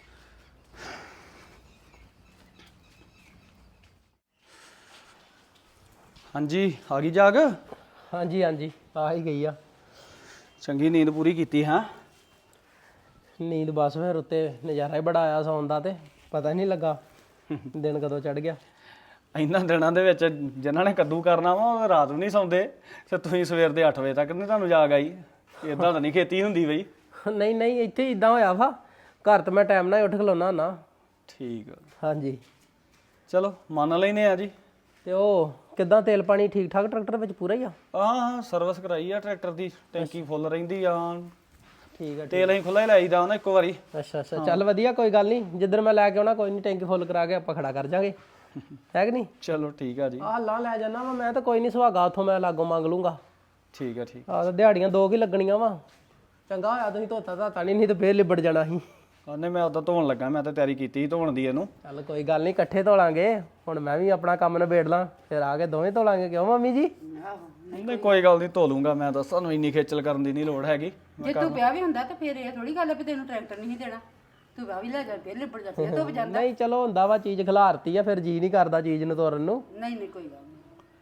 C: ਹਾਂਜੀ, ਆ ਗਈ ਜਾਗ?
E: ਹਾਂਜੀ ਹਾਂਜੀ, ਆ ਹੀ ਗਈ ਆ।
C: ਚੰਗੀ ਨੀਂਦ ਪੂਰੀ ਕੀਤੀ ਹੈ?
E: ਨੀਂਦ ਬਸ ਫਿਰ ਉੱਤੇ ਨਜ਼ਾਰਾ ਹੀ ਬੜਾ ਆਇਆ ਸੌਣ ਦਾ, ਤੇ ਪਤਾ ਹੀ ਨਹੀਂ ਲੱਗਾ ਦਿਨ ਕਦੋਂ ਚੜ ਗਿਆ।
C: ਇਹਨਾਂ ਦਿਨਾਂ ਦੇ ਵਿੱਚ ਜਿਨ੍ਹਾਂ ਨੇ ਕੱਦੂ ਕਰਨਾ ਵਾ ਉਹ ਰਾਤ ਨੂੰ ਨਹੀਂ ਸੌਂਦੇ, ਤੇ ਤੁਸੀਂ ਸਵੇਰ ਦੇ ਅੱਠ ਵਜੇ ਤੱਕ ਨਹੀਂ ਤੁਹਾਨੂੰ ਜਾਗ ਆਈ। ਇਦਾਂ ਤਾਂ ਨਹੀਂ ਖੇਤੀ ਹੁੰਦੀ ਬਈ।
E: ਨਹੀਂ ਨਹੀਂ, ਇੱਥੇ ਇਦਾਂ ਹੋਇਆ ਵਾ, ਘਰ ਤਾਂ ਮੈਂ ਟਾਈਮ ਨਾਲ ਹੀ ਉੱਠ ਖਲੋਣਾ ਨਾ।
C: ਠੀਕ ਆ,
E: ਹਾਂਜੀ।
C: ਚਲੋ ਮੰਨ ਲੈਨੇ ਆ ਜੀ।
E: ਤੇ ਉਹ ਕਿੱਦਾਂ ਤੇਲ ਪਾਣੀ ਠੀਕ ਠਾਕ ਟਰੈਕਟਰ ਵਿੱਚ ਪੂਰਾ ਹੀ ਆ?
C: ਹਾਂ ਹਾਂ, ਸਰਵਿਸ ਕਰਾਈ ਆ ਟਰੈਕਟਰ ਦੀ, ਟੈਂਕੀ ਫੁੱਲ ਰਹਿੰਦੀ ਆ।
E: ਠੀਕ ਆ।
C: ਤੇਲ ਅਸੀਂ ਖੁੱਲਾ ਹੀ ਲਾਈਦਾ ਉਹਨਾਂ ਇੱਕੋ ਵਾਰੀ।
E: ਅੱਛਾ ਅੱਛਾ, ਚੱਲ ਵਧੀਆ, ਕੋਈ ਗੱਲ ਨਹੀਂ। ਜਿੱਦਣ ਮੈਂ ਲੈ ਕੇ ਆਉਣਾ ਕੋਈ ਨਹੀਂ, ਟੈਂਕੀ ਫੁੱਲ ਕਰਾ ਕੇ ਆਪਾਂ ਖੜਾ ਕਰ ਜਾਾਂਗੇ, ਹੈ ਕਿ ਨਹੀਂ?
C: ਚਲੋ ਠੀਕ ਆ ਜੀ।
E: ਆਹ ਲਾ ਲੈ ਜਾਣਾ ਵਾ ਮੈਂ, ਤਾਂ ਕੋਈ ਨਹੀਂ, ਸੁਹਾਗਾ ਉੱਥੋਂ ਮੈਂ ਲਾਗੋਂ ਮੰਗ ਲੂੰਗਾ।
C: ਠੀਕ ਆ ਠੀਕ।
E: ਆਹ ਤਾਂ ਦਿਹਾੜੀਆਂ ਦੋ ਕੀ ਲੱਗਣੀਆਂ ਵਾ। ਚੰਗਾ ਹੋਇਆ ਤੁਸੀਂ ਧੋਤਾ ਧਾਤਾ ਨਹੀਂ, ਨਹੀਂ ਤਾਂ ਫੇਰ ਲਿਬੜ ਜਾਣਾ ਸੀ।
C: ਉਹਨੇ ਮੈਂ ਉਦਾਂ ਧੋਣ ਲੱਗਾ, ਮੈਂ ਤਾਂ ਤਿਆਰੀ ਕੀਤੀ ਸੀ ਧੋਣ ਦੀ ਇਹਨੂੰ।
E: ਚੱਲ ਕੋਈ ਗੱਲ ਨਹੀਂ, ਇਕੱਠੇ ਧੋ ਲਾਂਗੇ। ਹੁਣ ਮੈਂ ਵੀ ਆਪਣਾ ਕੰਮ ਨਿਬੇੜ ਲਾਂ, ਫਿਰ ਆ ਕੇ ਦੋਵੇਂ ਧੋ ਲਾਂਗੇ। ਕਿਉਂ ਮੰਮੀ ਜੀ?
C: ਨਹੀਂ ਕੋਈ ਗੱਲ ਨਹੀਂ, ਧੋ ਲੂੰਗਾ ਮੈਂ। ਤਾਂ ਸਾਨੂੰ ਇੰਨੀ ਖੇਚਲ ਕਰਨ ਦੀ ਨਹੀਂ ਲੋੜ ਹੈਗੀ।
A: ਜੇ ਤੂੰ ਵਿਆਹ ਵੀ ਹੁੰਦਾ ਤਾਂ ਫਿਰ ਇਹ ਥੋੜੀ ਗੱਲ ਹੈ ਵੀ ਤੈਨੂੰ ਟਰੈਕਟਰ ਨਹੀਂ ਦੇਣਾ। ਤੂੰ ਵਿਆਹ ਵੀ ਲੈ ਜਾ, ਫਿਰ ਲਿਬੜ ਜਾ, ਫਿਰ ਧੁੱਪ ਜਾਂਦਾ।
E: ਨਹੀਂ ਚਲੋ ਹੁੰਦਾ ਵਾ, ਚੀਜ਼ ਖਿਲਾਰਤੀ ਆ, ਫਿਰ ਜੀ ਨਹੀਂ ਕਰਦਾ ਚੀਜ਼ ਨੂੰ ਤੋਰਨ ਨੂੰ।
A: ਨਹੀਂ ਨਹੀਂ ਕੋਈ ਗੱਲ ਨਹੀਂ।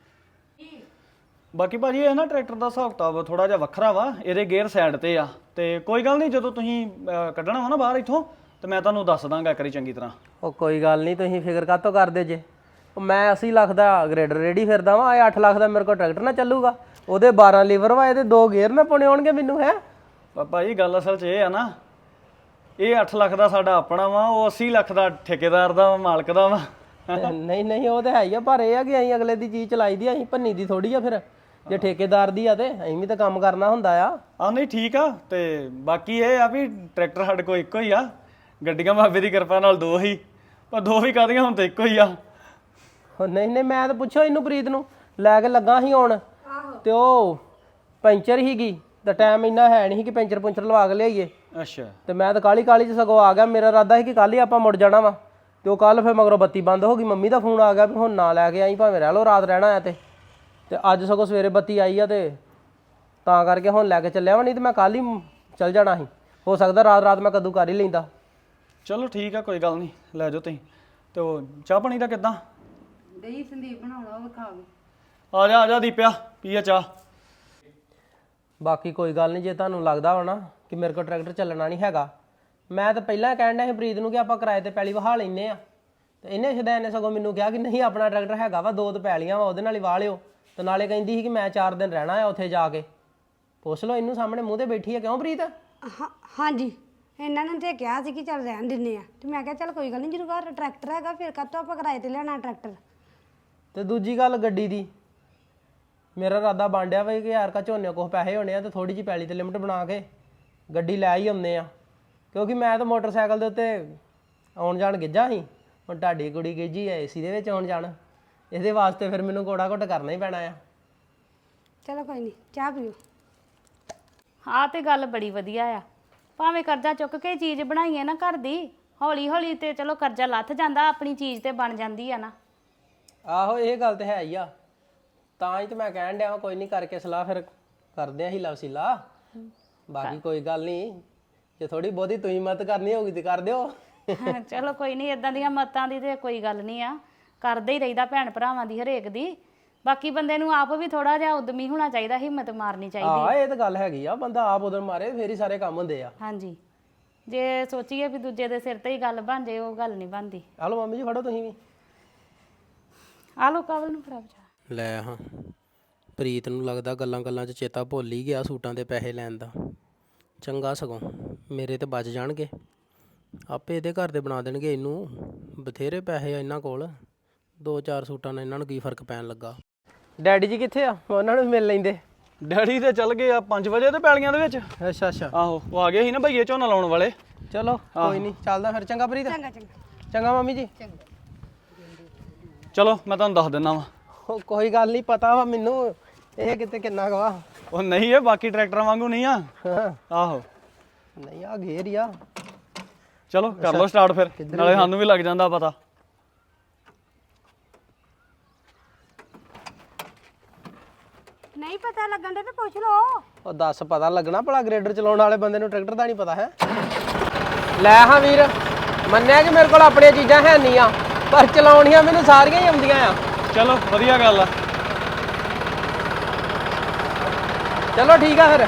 C: ਬਾਕੀ ਭਾਜੀ ਇਹ ਨਾ ਟਰੈਕਟਰ ਦਾ ਹਿਸਾਬ ਕਿਤਾਬ ਥੋੜਾ ਜਿਹਾ ਵੱਖਰਾ ਵਾ। ਇਹਦੇ ਗੇਅਰ ਸਾਈਡ ਤੇ ਆ, ਤੇ ਕੋਈ ਗੱਲ ਨਹੀਂ, ਜਦੋਂ ਤੁਸੀਂ ਅਹ, ਕੱਢਣਾ ਵਾ ਨਾ ਬਾਹਰ ਇੱਥੋਂ, ਤੇ ਮੈਂ ਤੁਹਾਨੂੰ ਦੱਸ ਦਾਂਗਾ ਇੱਕ ਵਾਰੀ ਚੰਗੀ ਤਰ੍ਹਾਂ।
E: ਉਹ ਕੋਈ ਗੱਲ ਨਹੀਂ, ਤੁਸੀਂ ਫਿਕਰ ਕਾਹਤੋਂ ਕਰਦੇ ਜੇ? ਉਹ ਮੈਂ ਅੱਸੀ ਲੱਖ ਦਾ ਗ੍ਰੇਡਰ ਰੇਡੀ ਫਿਰਦਾ ਵਾਂ, ਇਹ ਅੱਠ ਲੱਖ ਦਾ ਮੇਰੇ ਕੋਲ ਟਰੈਕਟਰ ਨਾ ਚੱਲੂਗਾ। ਉਹਦੇ ਬਾਰਾਂ ਲੀਵਰ ਵਾ, ਇਹਦੇ ਦੋ ਗੇਅਰ ਨਾ ਪਾਉਣੇ ਆਉਣਗੇ ਮੈਨੂੰ, ਹੈ?
C: ਭਾਜੀ ਗੱਲ ਅਸਲ 'ਚ ਇਹ ਆ ਨਾ, ਇਹ ਅੱਠ ਲੱਖ ਦਾ ਸਾਡਾ ਆਪਣਾ ਵਾ, ਉਹ ਅੱਸੀ ਲੱਖ ਦਾ ਠੇਕੇਦਾਰ ਦਾ ਮਾਲਕ ਦਾ ਵਾ।
E: ਨਹੀਂ ਨਹੀਂ, ਉਹ ਤੇ ਹੈ ਹੀ ਆ, ਪਰ ਇਹ ਆ ਕਿ ਅਸੀਂ ਅਗਲੇ ਦੀ ਚੀਜ਼ ਚਲਾਈ ਦੀ, ਅਸੀਂ ਭੰਨੀ ਦੀ ਥੋੜੀ ਆ। ਫਿਰ ਜੇ ਠੇਕੇਦਾਰ ਦੀ ਆ ਤੇ ਅਸੀਂ ਵੀ ਤਾਂ ਕੰਮ ਕਰਨਾ ਹੁੰਦਾ ਆ।
C: ਆ ਨਹੀਂ ਠੀਕ ਆ। ਤੇ ਬਾਕੀ ਇਹ ਆ ਵੀ ਟਰੈਕਟਰ ਸਾਡੇ ਕੋਲ ਇੱਕੋ ਹੀ ਆ। ਗੱਡੀਆਂ ਬਾਬੇ ਦੀ ਕਿਰਪਾ ਨਾਲ ਦੋ ਹੀ, ਪਰ ਦੋ ਵੀ ਕਾਹਦੀਆਂ ਹੁਣ ਤਾਂ ਇੱਕੋ ਹੀ ਆ।
E: ਉਹ ਨਹੀਂ ਨਹੀਂ, ਮੈਂ ਤਾਂ ਪੁੱਛੋ ਇਹਨੂੰ ਪ੍ਰੀਤ ਨੂੰ, ਲੈ ਕੇ ਲੱਗਾ ਸੀ ਆਉਣ, ਤੇ ਉਹ ਪੈਂਚਰ ਹੀਗੀ, ਤਾਂ ਟਾਈਮ ਇੰਨਾ ਹੈ ਨਹੀਂ ਕਿ ਪੈਂਚਰ ਪੁੰਚਰ ਲਵਾ ਕੇ ਲਿਆਈਏ।
C: ਅੱਛਾ।
E: ਤੇ ਮੈਂ ਤਾਂ ਕਾਲੀ ਕਾਲੀ ਚ ਸਗੋਂ ਆ ਗਿਆ। ਮੇਰਾ ਇਰਾਦਾ ਸੀ ਕਿ ਕੱਲ ਹੀ ਆਪਾਂ ਮੁੜ ਜਾਣਾ ਵਾ, ਤੇ ਉਹ ਕੱਲ ਫਿਰ ਮਗਰੋਂ ਬੱਤੀ ਬੰਦ ਹੋ ਗਈ। ਮੰਮੀ ਦਾ ਫੋਨ ਆ ਗਿਆ ਵੀ ਹੁਣ ਨਾ ਲੈ ਕੇ ਆਈ, ਭਾਵੇਂ ਰਹਿ ਲਓ, ਰਾਤ ਰਹਿਣਾ ਆ। ਤੇ ਤੇ ਅੱਜ ਸਗੋਂ ਸਵੇਰੇ ਬੱਤੀ ਆਈ ਆ, ਤੇ ਤਾਂ ਕਰਕੇ ਹੁਣ ਲੈ ਕੇ ਚੱਲਿਆ ਵਾ, ਨਹੀਂ ਤੇ ਮੈਂ ਕੱਲ ਹੀ ਚੱਲ ਜਾਣਾ ਸੀ। ਹੋ ਸਕਦਾ ਰਾਤ ਰਾਤ ਮੈਂ ਕਦੋਂ ਕਰ ਹੀ ਲੈਂਦਾ।
C: ਚਲੋ ਠੀਕ ਆ, ਕੋਈ ਗੱਲ ਨਹੀਂ, ਲੈ ਜਾਓ ਤੁਸੀਂ। ਤੇ ਉਹ ਚਾਹ ਪਾਣੀ ਦਾ ਕਿੱਦਾਂ?
A: ਦਹੀਂ ਸੰਦੀਪ ਬਣਾਉਣਾ, ਉਹ ਖਾਵੇ।
C: ਆ ਜਾ ਆ ਜਾ ਦੀਪਿਆ, ਪੀਏ ਚਾਹ।
E: ਬਾਕੀ ਕੋਈ ਗੱਲ ਨਹੀਂ, ਜੇ ਤੁਹਾਨੂੰ ਲੱਗਦਾ ਵਾ ਨਾ ਕਿ ਮੇਰੇ ਕੋਲ ਟਰੈਕਟਰ ਚੱਲਣਾ ਨਹੀਂ ਹੈਗਾ, ਮੈਂ ਤਾਂ ਪਹਿਲਾਂ ਕਹਿਣ ਡਿਆ ਸੀ ਪ੍ਰੀਤ ਨੂੰ ਕਿ ਆਪਾਂ ਕਿਰਾਏ ਤੇ ਪੈਲੀ ਵਹਾ ਲੈਨੇ ਆ। ਤੇ ਇਹਨੇ ਸ਼ਦੈਨ ਨੇ ਸਗੋਂ ਮੈਨੂੰ ਕਿਹਾ ਕਿ ਨਹੀਂ, ਆਪਣਾ ਟਰੈਕਟਰ ਹੈਗਾ ਵਾ, ਦੋ ਤੇ ਪੈਲੀਆਂ ਵਾ, ਉਹਦੇ ਨਾਲ ਹੀ ਵਾਹ ਲਿਓ। ਤੇ ਨਾਲੇ ਕਹਿੰਦੀ ਸੀ ਕਿ ਮੈਂ ਚਾਰ ਦਿਨ ਰਹਿਣਾ ਆ ਉੱਥੇ ਜਾ ਕੇ। ਪੁੱਛ ਲਓ ਇਹਨੂੰ, ਸਾਹਮਣੇ ਮੂੰਹ ਤੇ ਬੈਠੀ ਆ। ਕਿਉਂ ਪ੍ਰੀਤ?
B: ਹਾਂ ਹਾਂਜੀ, ਇਹਨਾਂ ਨੇ ਤੇ ਕਿਹਾ ਸੀ ਕਿ ਚੱਲ ਰਹਿਣ ਦਿੰਨੇ ਆ, ਤੇ ਮੈਂ ਕਿਹਾ ਚੱਲ ਕੋਈ ਗੱਲ ਨਹੀਂ, ਜਦੋਂ ਘਰ ਟਰੈਕਟਰ ਹੈਗਾ ਫਿਰ ਕਾਹਤੋਂ ਆਪਾਂ ਕਿਰਾਏ ਤੇ ਲੈਣਾ ਟਰੈਕਟਰ।
E: ਤੇ ਦੂਜੀ ਗੱਲ ਗੱਡੀ ਦੀ, ਮੇਰਾ ਇਰਾਦਾ ਬਾਂਡਿਆ ਵਾ ਕਿ ਯਾਰ ਕਾ ਝੋਨੇ ਕੋਲ ਪੈਸੇ ਹੋਣੇ ਆ, ਤੇ ਥੋੜੀ ਜਿਹੀ ਪੈਲੀ ਤੇ ਲਿਮਟ ਬਣਾ ਕੇ ਗੱਡੀ ਲੈ ਹੀ ਆਉਂਦੇ ਆ। ਕਿਉਂਕਿ ਮੈਂ ਤਾਂ ਮੋਟਰਸਾਈਕਲ ਦੇ ਉੱਤੇ ਆਉਣ ਜਾਣ ਗਿੱਝਾ ਸੀ, ਹੁਣ ਤੁਹਾਡੀ ਕੁੜੀ ਗਿੱਝੀ ਐ ਏਸੀ ਦੇ ਵਿੱਚ ਆਉਣ ਜਾਣ। ਇਹਦੇ ਵਾਸਤੇ ਫਿਰ ਮੈਨੂੰ ਕੋੜਾ ਘੁੱਟ ਕਰਨਾ ਹੀ ਪੈਣਾ ਆ।
B: ਚਲੋ ਕੋਈ ਨਹੀਂ, ਚਾਹ ਪੀਓ।
D: ਆਹ ਤੇ ਗੱਲ ਬੜੀ ਵਧੀਆ ਆ ਭਾਵੇਂ ਕਰਜ਼ਾ ਚੁੱਕ ਕੇ ਚੀਜ਼ ਬਣਾਈਏ ਨਾ ਘਰ ਦੀ, ਹੌਲੀ ਹੌਲੀ ਤੇ ਚਲੋ ਕਰਜ਼ਾ ਲੱਥ ਜਾਂਦਾ, ਆਪਣੀ ਚੀਜ਼ ਤੇ ਬਣ ਜਾਂਦੀ ਆ ਨਾ।
E: ਆਹੋ ਇਹ ਗੱਲ ਤੇ ਹੈ ਹੀ ਆ, ਤਾਂ ਹੀ ਤੇ ਮੈਂ ਕਹਿਣ ਡਿਆ ਵਾਂ, ਕੋਈ ਨਹੀਂ ਕਰਕੇ ਸਲਾਹ ਫਿਰ ਕਰਦੇ ਆਂ ਹੀ ਲਵਸੀਲਾ। ਬਾਕੀ ਕੋਈ ਗੱਲ ਨਹੀਂ, ਜੇ ਥੋੜੀ ਬਹੁਤੀ ਤੁਸੀਂ ਮਦਦ ਕਰਨੀ ਹੋਊਗੀ ਤੇ ਕਰ ਦਿਓ।
D: ਚਲੋ ਕੋਈ ਨਹੀਂ, ਇਦਾਂ ਦੀਆਂ ਮਤਾਂ ਦੀ ਤੇ ਕੋਈ ਗੱਲ ਨਹੀਂ ਆ, ਕਰਦੇ ਹੀ ਰਹੀਦਾ ਭੈਣ ਭਰਾਵਾਂ ਦੀ ਹਰੇਕ ਦੀ। ਬਾਕੀ ਬੰਦੇ ਨੂੰ ਆਪ ਵੀ ਥੋੜਾ ਜਿਹਾ ਉਦਮੀ ਹੋਣਾ ਚਾਹੀਦਾ, ਹਿੰਮਤ ਮਾਰਨੀ ਚਾਹੀਦੀ।
E: ਹਾਂ ਇਹ ਤਾਂ ਗੱਲ ਹੈਗੀ ਆ, ਬੰਦਾ ਆਪ ਉਧਰ ਮਾਰੇ ਫੇਰ ਹੀ ਸਾਰੇ ਕੰਮ ਹੁੰਦੇ ਆ।
D: ਹਾਂਜੀ, ਜੇ ਸੋਚੀਏ ਵੀ ਦੂਜੇ ਦੇ ਸਿਰ ਤੇ ਹੀ ਗੱਲ ਬਣ ਜੇ, ਉਹ ਗੱਲ ਨਹੀਂ ਬਣਦੀ।
E: ਹਲੋ ਮੰਮੀ ਜੀ ਫੜੋ ਤੁਸੀਂ ਵੀ।
D: ਆ ਲੋ ਕਵਲ ਨੂੰ ਫੜਾ ਬਚਾ।
E: ਲੈ ਹਾਂ, ਪ੍ਰੀਤ ਨੂੰ ਲੱਗਦਾ ਗੱਲਾਂ ਗੱਲਾਂ 'ਚ ਚੇਤਾ ਭੁੱਲ ਹੀ ਗਿਆ ਸੂਟਾਂ ਦੇ ਪੈਸੇ ਲੈਣ ਦਾ। ਚੰਗਾ ਸਗੋਂ ਮੇਰੇ ਤੇ ਬਚ ਜਾਣਗੇ, ਆਪੇ ਇਹਦੇ ਘਰ ਦੇ ਬਣਾ ਦੇਣਗੇ ਇਹਨੂੰ। ਬਥੇਰੇ ਪੈਸੇ ਆ ਇਹਨਾਂ ਕੋਲ, ਦੋ ਚਾਰ ਸੂਟਾਂ ਨਾਲ ਇਹਨਾਂ ਨੂੰ ਕੀ ਫਰਕ ਪੈਣ ਲੱਗਾ। ਡੈਡੀ ਜੀ ਕਿੱਥੇ ਆ? ਉਹਨਾਂ ਨੂੰ ਮਿਲ ਲੈਂਦੇ।
C: ਡੈਡੀ ਤੇ ਚੱਲ ਗਏ ਆ ਪੰਜ ਵਜੇ ਤੇ ਪੈਲੀਆਂ ਦੇ ਵਿੱਚ।
E: ਅੱਛਾ ਅੱਛਾ,
C: ਆਹੋ ਉਹ ਆ ਗਏ ਸੀ ਨਾ ਭਈਏ ਝੋਨਾ ਲਾਉਣ ਵਾਲੇ।
E: ਚਲੋ ਕੋਈ ਨਹੀਂ, ਚੱਲਦਾ ਫਿਰ। ਚੰਗਾ ਪ੍ਰੀਤ।
B: ਚੰਗਾ ਚੰਗਾ
E: ਚੰਗਾ ਮੰਮੀ ਜੀ।
C: ਚਲੋ ਮੈਂ ਤੁਹਾਨੂੰ ਦੱਸ ਦਿੰਦਾ ਵਾ।
E: ਉਹ ਕੋਈ ਗੱਲ ਨਹੀਂ, ਪਤਾ ਵਾ ਮੈਨੂੰ ਇਹ ਕਿਤੇ ਕਿੰਨਾ ਗਵਾ।
C: ਉਹ ਨਹੀਂ ਇਹ ਬਾਕੀ ਟਰੈਕਟਰਾਂ ਵਾਂਗੂ ਨਹੀਂ ਆ।
E: ਹਾਂ
C: ਆਹੋ
E: ਨਹੀਂ ਆ ਘੇਰ ਹੀ ਆ।
C: ਚਲੋ ਕਰ ਲਓ ਸਟਾਰਟ ਫਿਰ, ਨਾਲੇ ਸਾਨੂੰ ਵੀ ਲੱਗ ਜਾਂਦਾ ਪਤਾ।
B: ਨਹੀਂ ਪਤਾ ਲੱਗਣ ਦੇ ਤੇ ਪੁੱਛ ਲਓ।
E: ਉਹ ਦੱਸ, ਪਤਾ ਲੱਗਣਾ ਭਲਾ ਗ੍ਰੇਡਰ ਚਲਾਉਣ ਵਾਲੇ ਬੰਦੇ ਨੂੰ ਟਰੈਕਟਰ ਦਾ ਨਹੀਂ ਪਤਾ ਹੈ। ਲੈ ਹਾਂ ਵੀਰ, ਮੰਨਿਆ ਕਿ ਮੇਰੇ ਕੋਲ ਆਪਣੀਆਂ ਚੀਜ਼ਾਂ ਹੈ ਨਹੀਂ ਆ, ਪਰ ਚਲਾਉਣੀਆਂ ਮੈਨੂੰ ਸਾਰੀਆਂ ਹੀ ਆਉਂਦੀਆਂ ਆ।
C: ਚਲੋ ਵਧੀਆ ਗੱਲ ਆ।
E: ਚਲੋ ਠੀਕ ਆ ਫਿਰ।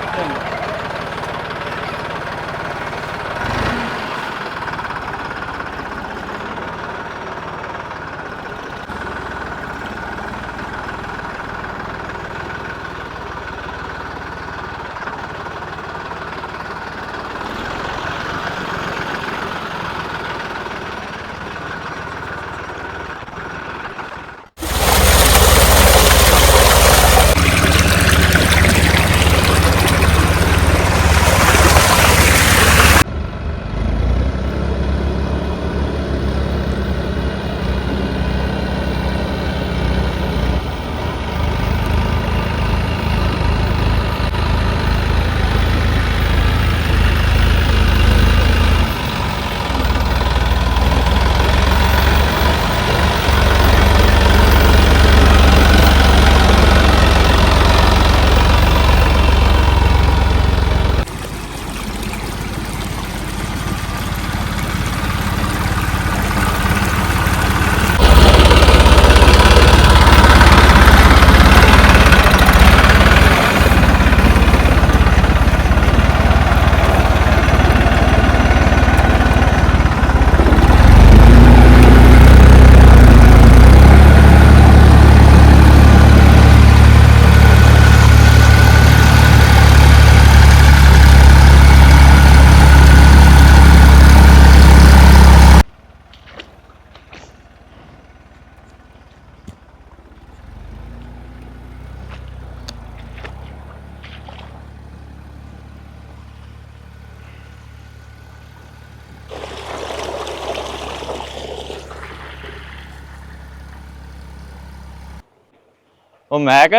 F: ਉਹ ਮੈਕ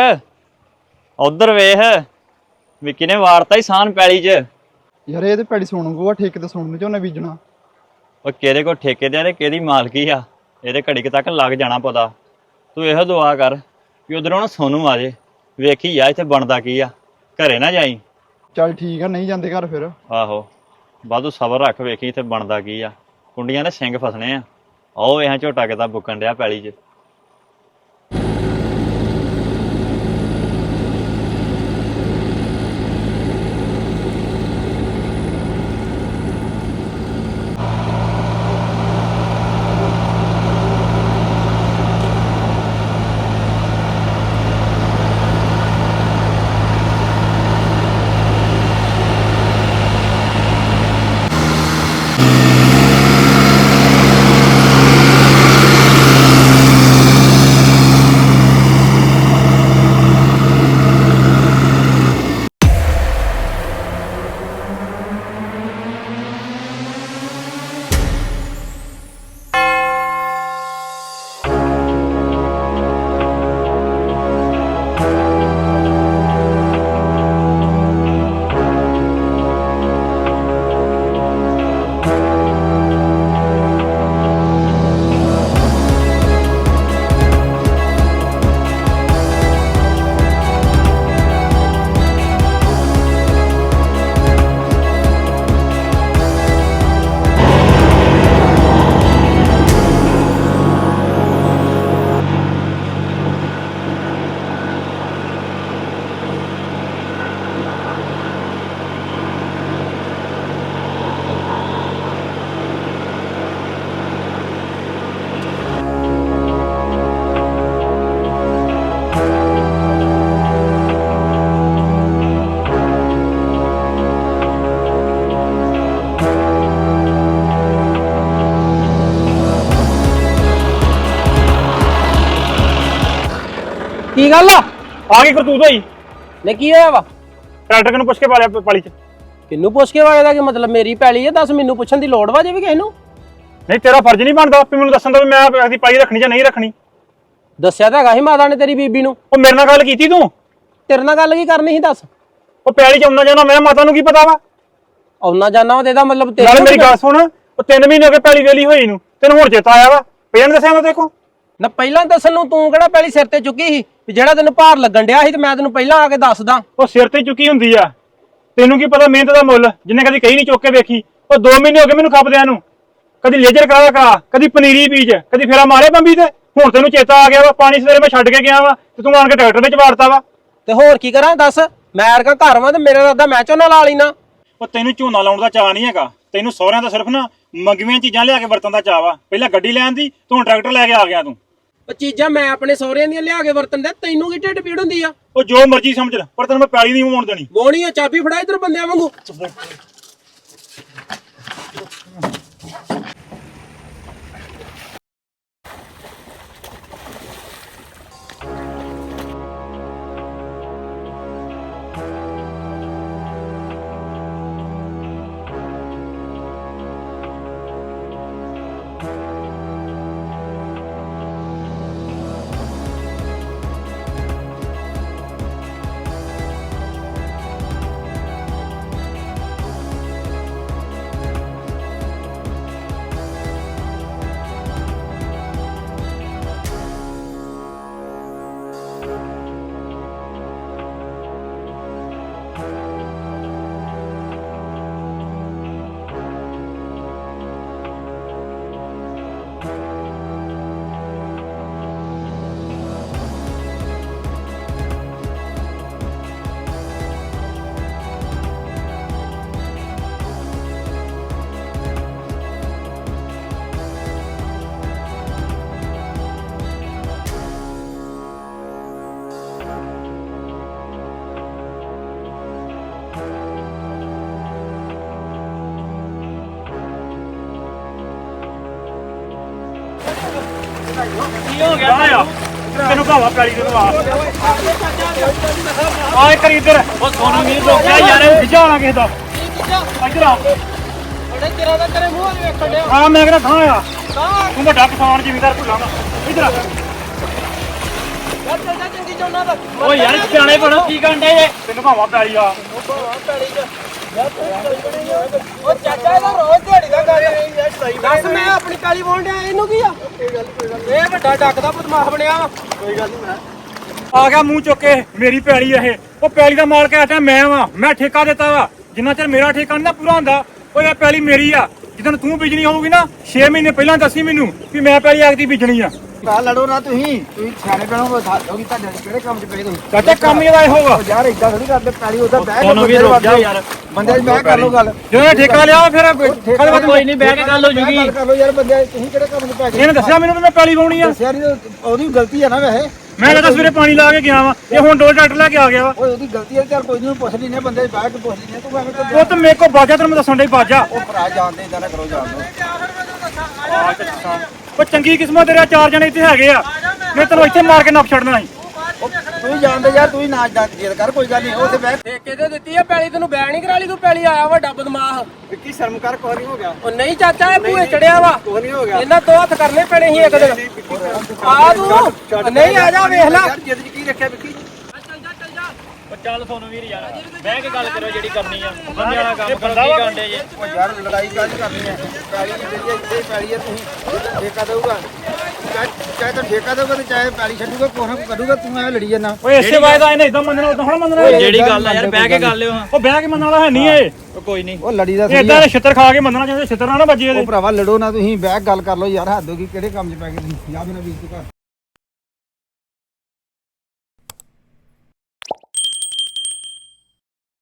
F: ਉਧਰ ਵੇਖ, ਵਿੱਕੀ ਨੇ ਵਾਰਤਾ ਹੀ ਸਾਨ ਪੈਲੀ 'ਚ।
G: ਯਾਰ ਇਹ ਤੇ ਪੈੜੀ ਸੁਣ ਗੋਆ, ਠੇਕੇ ਤੇ ਸੁਣ ਨੂੰ ਝੋਨਾ ਬੀਜਣਾ।
F: ਉਹ ਕਿਹਦੇ ਕੋਲ ਠੇਕੇ ਦੇ ਨੇ, ਕਿਹਦੀ ਮਾਲਕੀ ਆ, ਇਹਦੇ ਘੜੀ ਕੁ ਤੱਕ ਲੱਗ ਜਾਣਾ ਪਤਾ। ਤੂੰ ਇਹੋ ਦੁਆ ਕਰ ਵੀ ਉਧਰੋਂ ਨਾ ਸੋਨੂੰ ਆ ਜੇ, ਵੇਖੀ ਆ ਇੱਥੇ ਬਣਦਾ ਕੀ ਆ, ਘਰੇ ਨਾ ਜਾਈ।
G: ਚੱਲ ਠੀਕ ਆ, ਨਹੀਂ ਜਾਂਦੇ ਘਰ ਫਿਰ।
F: ਆਹੋ ਵਾਧੂ ਸਬਰ ਰੱਖ, ਵੇਖੀ ਇੱਥੇ ਬਣਦਾ ਕੀ ਆ, ਕੁੰਡੀਆਂ ਦੇ ਸਿੰਘ ਫਸਣੇ ਆ। ਆਓ ਇਹ ਝੋਟਾ ਕਿਤਾ ਬੁੱਕਣ ਡਿਆ ਪੈਲੀ 'ਚ।
E: ਗੱਲ ਆ
H: ਆ ਗਈ ਕਰਤੂਤ ਹੋਈ
E: ਨੇ ਕੀ ਹੋਇਆ ਵਾ
H: ਟਰੈਕਟਰ ਨੂੰ ਪੁੱਛ ਕੇ ਪਾ ਲਿਆ ਪਾਲੀ ਚ
E: ਕਿੰਨੂੰ ਪੁੱਛ ਕੇ ਵਾਲੇ ਦਾ ਕੀ ਮਤਲਬ ਮੇਰੀ ਪੈਲੀ ਆ ਦੱਸ ਮੈਨੂੰ ਪੁੱਛਣ ਦੀ ਲੋੜ ਵਾ ਜੇ ਵੀ ਕਿਸੇ ਨੂੰ
H: ਨਹੀਂ ਤੇਰਾ ਫਰਜ਼ ਨਹੀਂ ਬਣਦਾ ਆਪੇ ਮੈਨੂੰ ਦੱਸਣ ਦਾ ਵੀ ਮੈਂ ਆਪਣੀ ਪਾਲੀ ਰੱਖਣੀ ਜਾਂ ਨਹੀਂ ਰੱਖਣੀ
E: ਦੱਸਿਆ ਤਾਂ ਹੈਗਾ ਸੀ ਮਾਤਾ ਨੇ ਤੇਰੀ ਬੀਬੀ ਨੂੰ
H: ਉਹ ਮੇਰੇ ਨਾਲ ਗੱਲ ਕੀਤੀ ਤੂੰ
E: ਤੇਰੇ ਨਾਲ ਗੱਲ ਕੀ ਕਰਨੀ ਸੀ ਦੱਸ
H: ਉਹ ਪੈਲੀ ਚ ਆਉਣਾ ਜਾਣਾ ਮੈਂ ਮਾਤਾ ਨੂੰ ਕੀ ਪਤਾ ਵਾ
E: ਆਉਣਾ ਜਾਣਾ ਵਾ ਤੇ ਇਹਦਾ ਮਤਲਬ
H: ਨਾਲੇ
E: ਤੇਰੀ
H: ਮੇਰੀ ਗੱਲ ਸੁਣ ਉਹ ਤਿੰਨ ਮਹੀਨੇ ਹੋ ਗਏ ਪੈਲੀ ਵੇਲੀ ਹੋਈ ਨੂੰ ਤੈਨੂੰ ਹੁਣ ਚੇਤਾ ਆਇਆ ਵਾ ਪਹਿਲਾਂ ਨੀ ਦੱਸਿਆ ਮੈਂ ਦੇਖੋ
E: ਨਾ ਪਹਿਲਾਂ ਦੱਸਣ ਨੂੰ ਤੂੰ ਕਿਹੜਾ ਪੈਲੀ ਸਿਰ ਤੇ ਚੁੱਕੀ ਸੀ ਵੀ ਜਿਹੜਾ ਤੈਨੂੰ ਭਾਰ ਲੱਗਣ ਡਿਆ ਸੀ ਤੇ ਮੈਂ ਤੈਨੂੰ ਪਹਿਲਾਂ ਆ ਕੇ ਦੱਸਦਾ
H: ਉਹ ਸਿਰ ਤੇ ਚੁੱਕੀ ਹੁੰਦੀ ਆ ਤੈਨੂੰ ਕੀ ਪਤਾ ਮਿਹਨਤ ਦਾ ਮੁੱਲ ਜਿੰਨੇ ਕਦੀ ਕਹੀ ਨਹੀਂ ਚੁੱਕ ਕੇ ਵੇਖੀ ਉਹ ਦੋ ਮਹੀਨੇ ਹੋ ਗਏ ਮੈਨੂੰ ਖੱਪਦਿਆਂ ਨੂੰ ਕਦੀ ਲੇਜਰ ਕਰਾ ਕਰਾ ਕਦੀ ਪਨੀਰੀ ਬੀਜ ਕਦੀ ਫੇਰਾ ਮਾਰੇ ਬੰਬੀ ਤੇ ਹੁਣ ਤੈਨੂੰ ਚੇਤਾ ਆ ਗਿਆ ਵਾ ਪਾਣੀ ਸਵੇਰੇ ਮੈਂ ਛੱਡ ਕੇ ਗਿਆ ਵਾ ਤੇ ਤੂੰ ਆਣ ਕੇ ਟਰੈਕਟਰ ਵਿੱਚ ਵਾੜਤਾ ਵਾ
E: ਤੇ ਹੋਰ ਕੀ ਕਰਾਂ ਦੱਸ ਮੈਂ ਅਰਗਾ ਘਰ ਵਾਂ ਤੇ ਮੇਰੇ ਰੱਦਾ ਮੈਂ ਝੋਨਾ ਲਾ ਲੈਣਾ
H: ਉਹ ਤੈਨੂੰ ਝੋਨਾ ਲਾਉਣ ਦਾ ਚਾਅ ਨਹੀਂ ਹੈਗਾ ਤੈਨੂੰ ਸਹੁਰਿਆਂ ਦਾ ਸਿਰਫ ਨਾ ਮੰਗਵੀਆਂ ਚੀਜ਼ਾਂ ਲਿਆ ਕੇ ਵਰਤਣ ਦਾ ਚਾਅ ਵਾ ਪਹਿਲਾਂ ਗੱਡੀ ਲੈਣ ਦੀ ਤੂੰ ਹੁਣ ਟਰੈਕਟਰ ਲੈ ਕੇ ਆ ਗਿਆ ਤੂੰ
E: ਉਹ ਚੀਜ਼ਾਂ ਮੈਂ ਆਪਣੇ ਸਹੁਰਿਆਂ ਦੀਆਂ ਲਿਆ ਕੇ ਵਰਤਣ ਦੇ ਤੈਨੂੰ ਕੀ ਢਿੱਡ ਪੀੜ ਹੁੰਦੀ ਆ
H: ਉਹ ਜੋ ਮਰਜ਼ੀ ਸਮਝ ਲੈ ਪਰ ਤੈਨੂੰ ਮੈਂ ਪੈਲੀ ਨਹੀਂ ਮੋੜ ਦੇਣੀ
E: ਵੋਣੀ ਆ ਚਾਬੀ ਫੜਾ ਇਧਰ ਬੰਦਿਆਂ ਵਾਂਗੂ
H: ਕੀ ਹੋ ਗਿਆ ਆ ਤੈਨੂੰ ਭਾਵਾ ਪੈਲੀ ਦੇ ਦਵਾ ਆਏ ਕਰੀ ਇੱਧਰ ਉਹ ਸੋਨੂੰ ਨਹੀਂ ਰੋਕਿਆ ਯਾਰ ਖਿਜਾਣਾ ਕਿਸੇ ਦਾ ਇੱਧਰ ਆ
E: ਬੜੇ ਤੇਰਾ ਦਾ ਤੇਰੇ ਮੂੰਹ ਵਿੱਚ ਵੇਖਣ ਡਿਆ
H: ਹਾਂ ਮੈਂ ਕਹਿੰਦਾ ਥਾਂ ਆ ਤੂੰ ਵੱਡਾ ਕਿਸਾਨ ਜ਼ਿਮੀਂਦਾਰ ਭੁੱਲਾਂਗਾ ਇੱਧਰ ਆ
E: ਯਾਰ ਚੱਲ ਜਾ ਚੰਗੀ ਝੋਨਾ ਦਾ
H: ਓ ਯਾਰ ਸਿਆਣੇ ਬਣੋ ਕੀ ਕਰਨ ਡੇ ਜੇ ਤੈਨੂੰ ਭਾਵਾ ਪੈਲੀ ਆ
E: ਉਹ ਚਾਚਾ ਇਹਦਾ ਰੋਜ਼ ਦਿਹਾੜੀ ਦਾ ਗੱਲ ਦੱਸ ਮੈਂ ਆਪਣੀ ਪੈਲੀ ਵਾਹੁਣ ਡਿਆ ਇਹਨੂੰ ਕੀ ਆ ਇਹ ਵੱਡਾ ਡੱਕ ਦਾ ਬਦਮਾਸ਼ ਬਣਿਆ ਵਾ ਕੋਈ ਗੱਲ ਨਹੀਂ
H: ਆ ਗਿਆ ਮੂੰਹ ਚੁੱਕ ਕੇ ਮੇਰੀ ਪੈਲੀ ਇਹ ਉਹ ਪੈਲੀ ਦਾ ਮਾਲਕ ਆ ਮੈਂ ਵਾਂ ਮੈਂ ਠੇਕਾ ਦਿੱਤਾ ਵਾ ਜਿੰਨਾ ਚਿਰ ਮੇਰਾ ਠੇਕਾ ਨਹੀਂ ਨਾ ਪੂਰਾ ਹੁੰਦਾ ਉਹ ਇਹ ਪੈਲੀ ਮੇਰੀ ਆ ਜਦੋਂ ਤੂੰ ਬੀਜਣੀ ਹੋਊਗੀ ਨਾ ਛੇ ਮਹੀਨੇ ਪਹਿਲਾਂ ਦੱਸੀ ਮੈਨੂੰ ਵੀ ਮੈਂ ਪੈਲੀ ਆਗਦੀ ਬੀਜਣੀ ਆ
G: ਆ ਲੜੋ ਨਾ ਤੁਸੀਂ ਤੁਸੀਂ ਸਿਆਣੇ ਬਣੋ ਦੱਸੋਗੇ ਤੁਹਾਡੇ ਕਿਹੜੇ ਕੰਮ 'ਚ ਪਏ ਤੁਸੀਂ
H: ਚਾਚਾ ਕੰਮ ਇਹਦਾ ਇਹੋ ਵਾ
G: ਯਾਰ ਇਦਾਂ ਥੋੜੀ ਕਰਦੇ ਪੈਲੀ ਉਹਦਾ ਬਹਿ
H: ਤੁਹਾਨੂੰ ਵੀ ਰੁਕ ਜਾ ਯਾਰ
G: ਬੰਦੇ ਮੈਂ ਕਰ ਲਓ ਗੱਲ
H: ਜਦੋਂ ਠੇਕਾ ਲਿਆ ਫਿਰ ਠੇਕਾ ਦੇ ਬਾਅਦ ਕੋਈ ਨਹੀਂ ਬਹਿ ਕੇ ਗੱਲ ਹੋ ਜੂਗੀ
G: ਗੱਲ ਕਰ ਲਓ ਯਾਰ ਬੰਦੇ ਤੁਸੀਂ ਕਿਹੜੇ ਕੰਮ 'ਚ ਪੈ ਗਏ
H: ਇਹਨੇ ਦੱਸਿਆ ਮੈਨੂੰ ਵੀ ਮੈਂ ਪੈਲੀ ਵਾਉਣੀ ਆ
G: ਦੱਸਿਆ ਨਹੀਂ ਉਹਦੀ ਗਲਤੀ ਆ ਨਾ ਵੈਸੇ
H: ਮੈਂ ਤਾਂ ਸਵੇਰੇ ਪਾਣੀ ਲਾ ਕੇ ਗਿਆ ਵਾ ਇਹ ਹੁਣ ਡੋਲ ਟਰੈਕਟਰ ਲੈ ਕੇ ਆ ਗਿਆ ਵਾ
G: ਓਏ ਉਹਦੀ ਗਲਤੀ ਹੈ ਚੱਲ ਕੋਈ ਨਹੀਂ ਪੁੱਛ ਲੈਨੇ ਬੰਦੇ ਬਹਿ ਕੇ ਪੁੱਛ ਲੈਨੇ ਤੂੰ ਐਵੇਂ ਤਾਂ
H: ਉਹ ਤਾਂ ਮੇਰੇ ਕੋ ਬਾਜਾ ਤੈਨੂੰ ਮੈਂ ਦੱਸਣ ਡਈ ਬਾਜਾ
G: ਉਹ ਭਰਾ ਜਾਣਦੇ ਇਦਾਂ ਨਾ ਕਰੋ ਜਾਣਦੇ
H: ਉਹ ਚੰਗੀ ਕਿਸਮਤ ਤੇਰੇ ਚਾਰ ਜਣੇ ਇੱਥੇ ਹੈਗੇ ਆ ਮੈਂ ਤੈਨੂੰ ਇੱਥੇ ਮਾਰ ਕੇ ਨੱਪ ਛੱਡਣਾ ਸੀ
G: ਤੂੰ ਜਾਣਦੇ ਯਾਰ ਤੂੰ ਨਾ ਜੇਦ ਕਰ ਕੋਈ ਗੱਲ ਨਹੀਂ ਉੱਥੇ ਬਹਿ
E: ਠੇਕੇ ਤੇ ਦਿੱਤੀ ਆ ਪੈਲੀ ਤੈਨੂੰ ਬੈਨ ਨਹੀਂ ਕਰਾ ਲਈ ਤੂੰ ਪੈਲੀ ਆਇਆ ਵੱਡਾ ਬਦਮਾਸ਼
G: ਵਿੱਕੀ ਸ਼ਰਮ ਕਰ ਕੋਈ ਨਹੀਂ ਹੋ ਗਿਆ
E: ਉਹ ਨਹੀਂ ਚਾਚਾ ਇਹ ਭੂਏ ਚੜਿਆ ਵਾ
G: ਕੋਈ ਨਹੀਂ ਹੋ ਗਿਆ
E: ਇਹਨਾਂ ਦੋ ਹੱਥ ਕਰਨੇ ਪੈਣੇ ਸੀ ਇੱਕ ਦਿਨ ਆ ਤੂੰ ਨਹੀਂ ਆ ਜਾ ਵੇਖ ਲੈ
G: ਯਾਰ ਜਿੱਦ 'ਚ ਕੀ ਰੱਖਿਆ ਵਿੱਕੀ
H: ਉਹ ਚੱਲ ਸੋਨੂੰ ਵੀਰ ਯਾਰ ਬਹਿ ਕੇ ਗੱਲ ਕਰੋ ਜਿਹੜੀ ਕਰਨੀ ਆ ਬੰਦੇ ਵਾਲਾ ਕੰਮ ਕਰੋ ਕੀ ਕਾਂਡੇ ਜੇ
G: ਉਹ ਯਾਰ ਲੜਾਈ ਕਾਹਦੀ ਕਰਨੀ ਹੈ ਪੈਲੀ ਦੀ ਜਿਹੜੀ ਇੱਥੇ ਹੀ ਪੈਲੀ ਹੈ ਤੁਸੀਂ ਠੇਕਾ ਦੇਊਗਾ ਚਾਹੇ ਚਾਹੇ ਤਾਂ ਠੇਕਾ ਦੇਊਗਾ ਤੇ ਚਾਹੇ ਪੈਲੀ ਛੱਡੂਗਾ ਕੋਈ ਨਾ ਕੋਈ ਕਰੂਗਾ ਤੂੰ ਐਵੇਂ ਲੜੀ ਜਾਂਦਾ
H: ਓਏ ਇਸੇ ਵਾਇਦਾ ਇਹਨੇ ਇਦਾਂ ਮੰਨਣਾ ਉਦਾਂ ਹੁਣ ਮੰਨਣਾ
F: ਜਿਹੜੀ ਗੱਲ ਆ ਯਾਰ ਬਹਿ ਕੇ ਕਰ ਲਿਓ
H: ਉਹ ਬਹਿ ਕੇ ਮੰਨਣ ਵਾਲਾ ਹੈ ਨਹੀਂ ਇਹ
F: ਉਹ ਕੋਈ ਨਹੀਂ
G: ਉਹ ਲੜੀ ਦਾ
H: ਇਹ ਇਦਾਂ ਦੇ ਛਿੱਤਰ ਖਾ ਕੇ ਮੰਨਣਾ ਚਾਹੀਦਾ ਛਿੱਤਰ ਨਾ ਨਾ ਵੱਜੇ
G: ਉਹ
H: ਇਹਦੇ
G: ਭਰਾਵਾ ਲੜੋ ਨਾ ਤੁਸੀਂ ਬਹਿ ਕੇ ਗੱਲ ਕਰ ਲਓ ਯਾਰ ਹੱਦ ਹੋ ਗਈ ਕਿਹੜੇ ਕੰਮ 'ਚ ਪੈ ਗਏ ਤੁਸੀਂ ਯਾਦ ਨਾ ਵੀਰ ਤੂੰ ਘਰ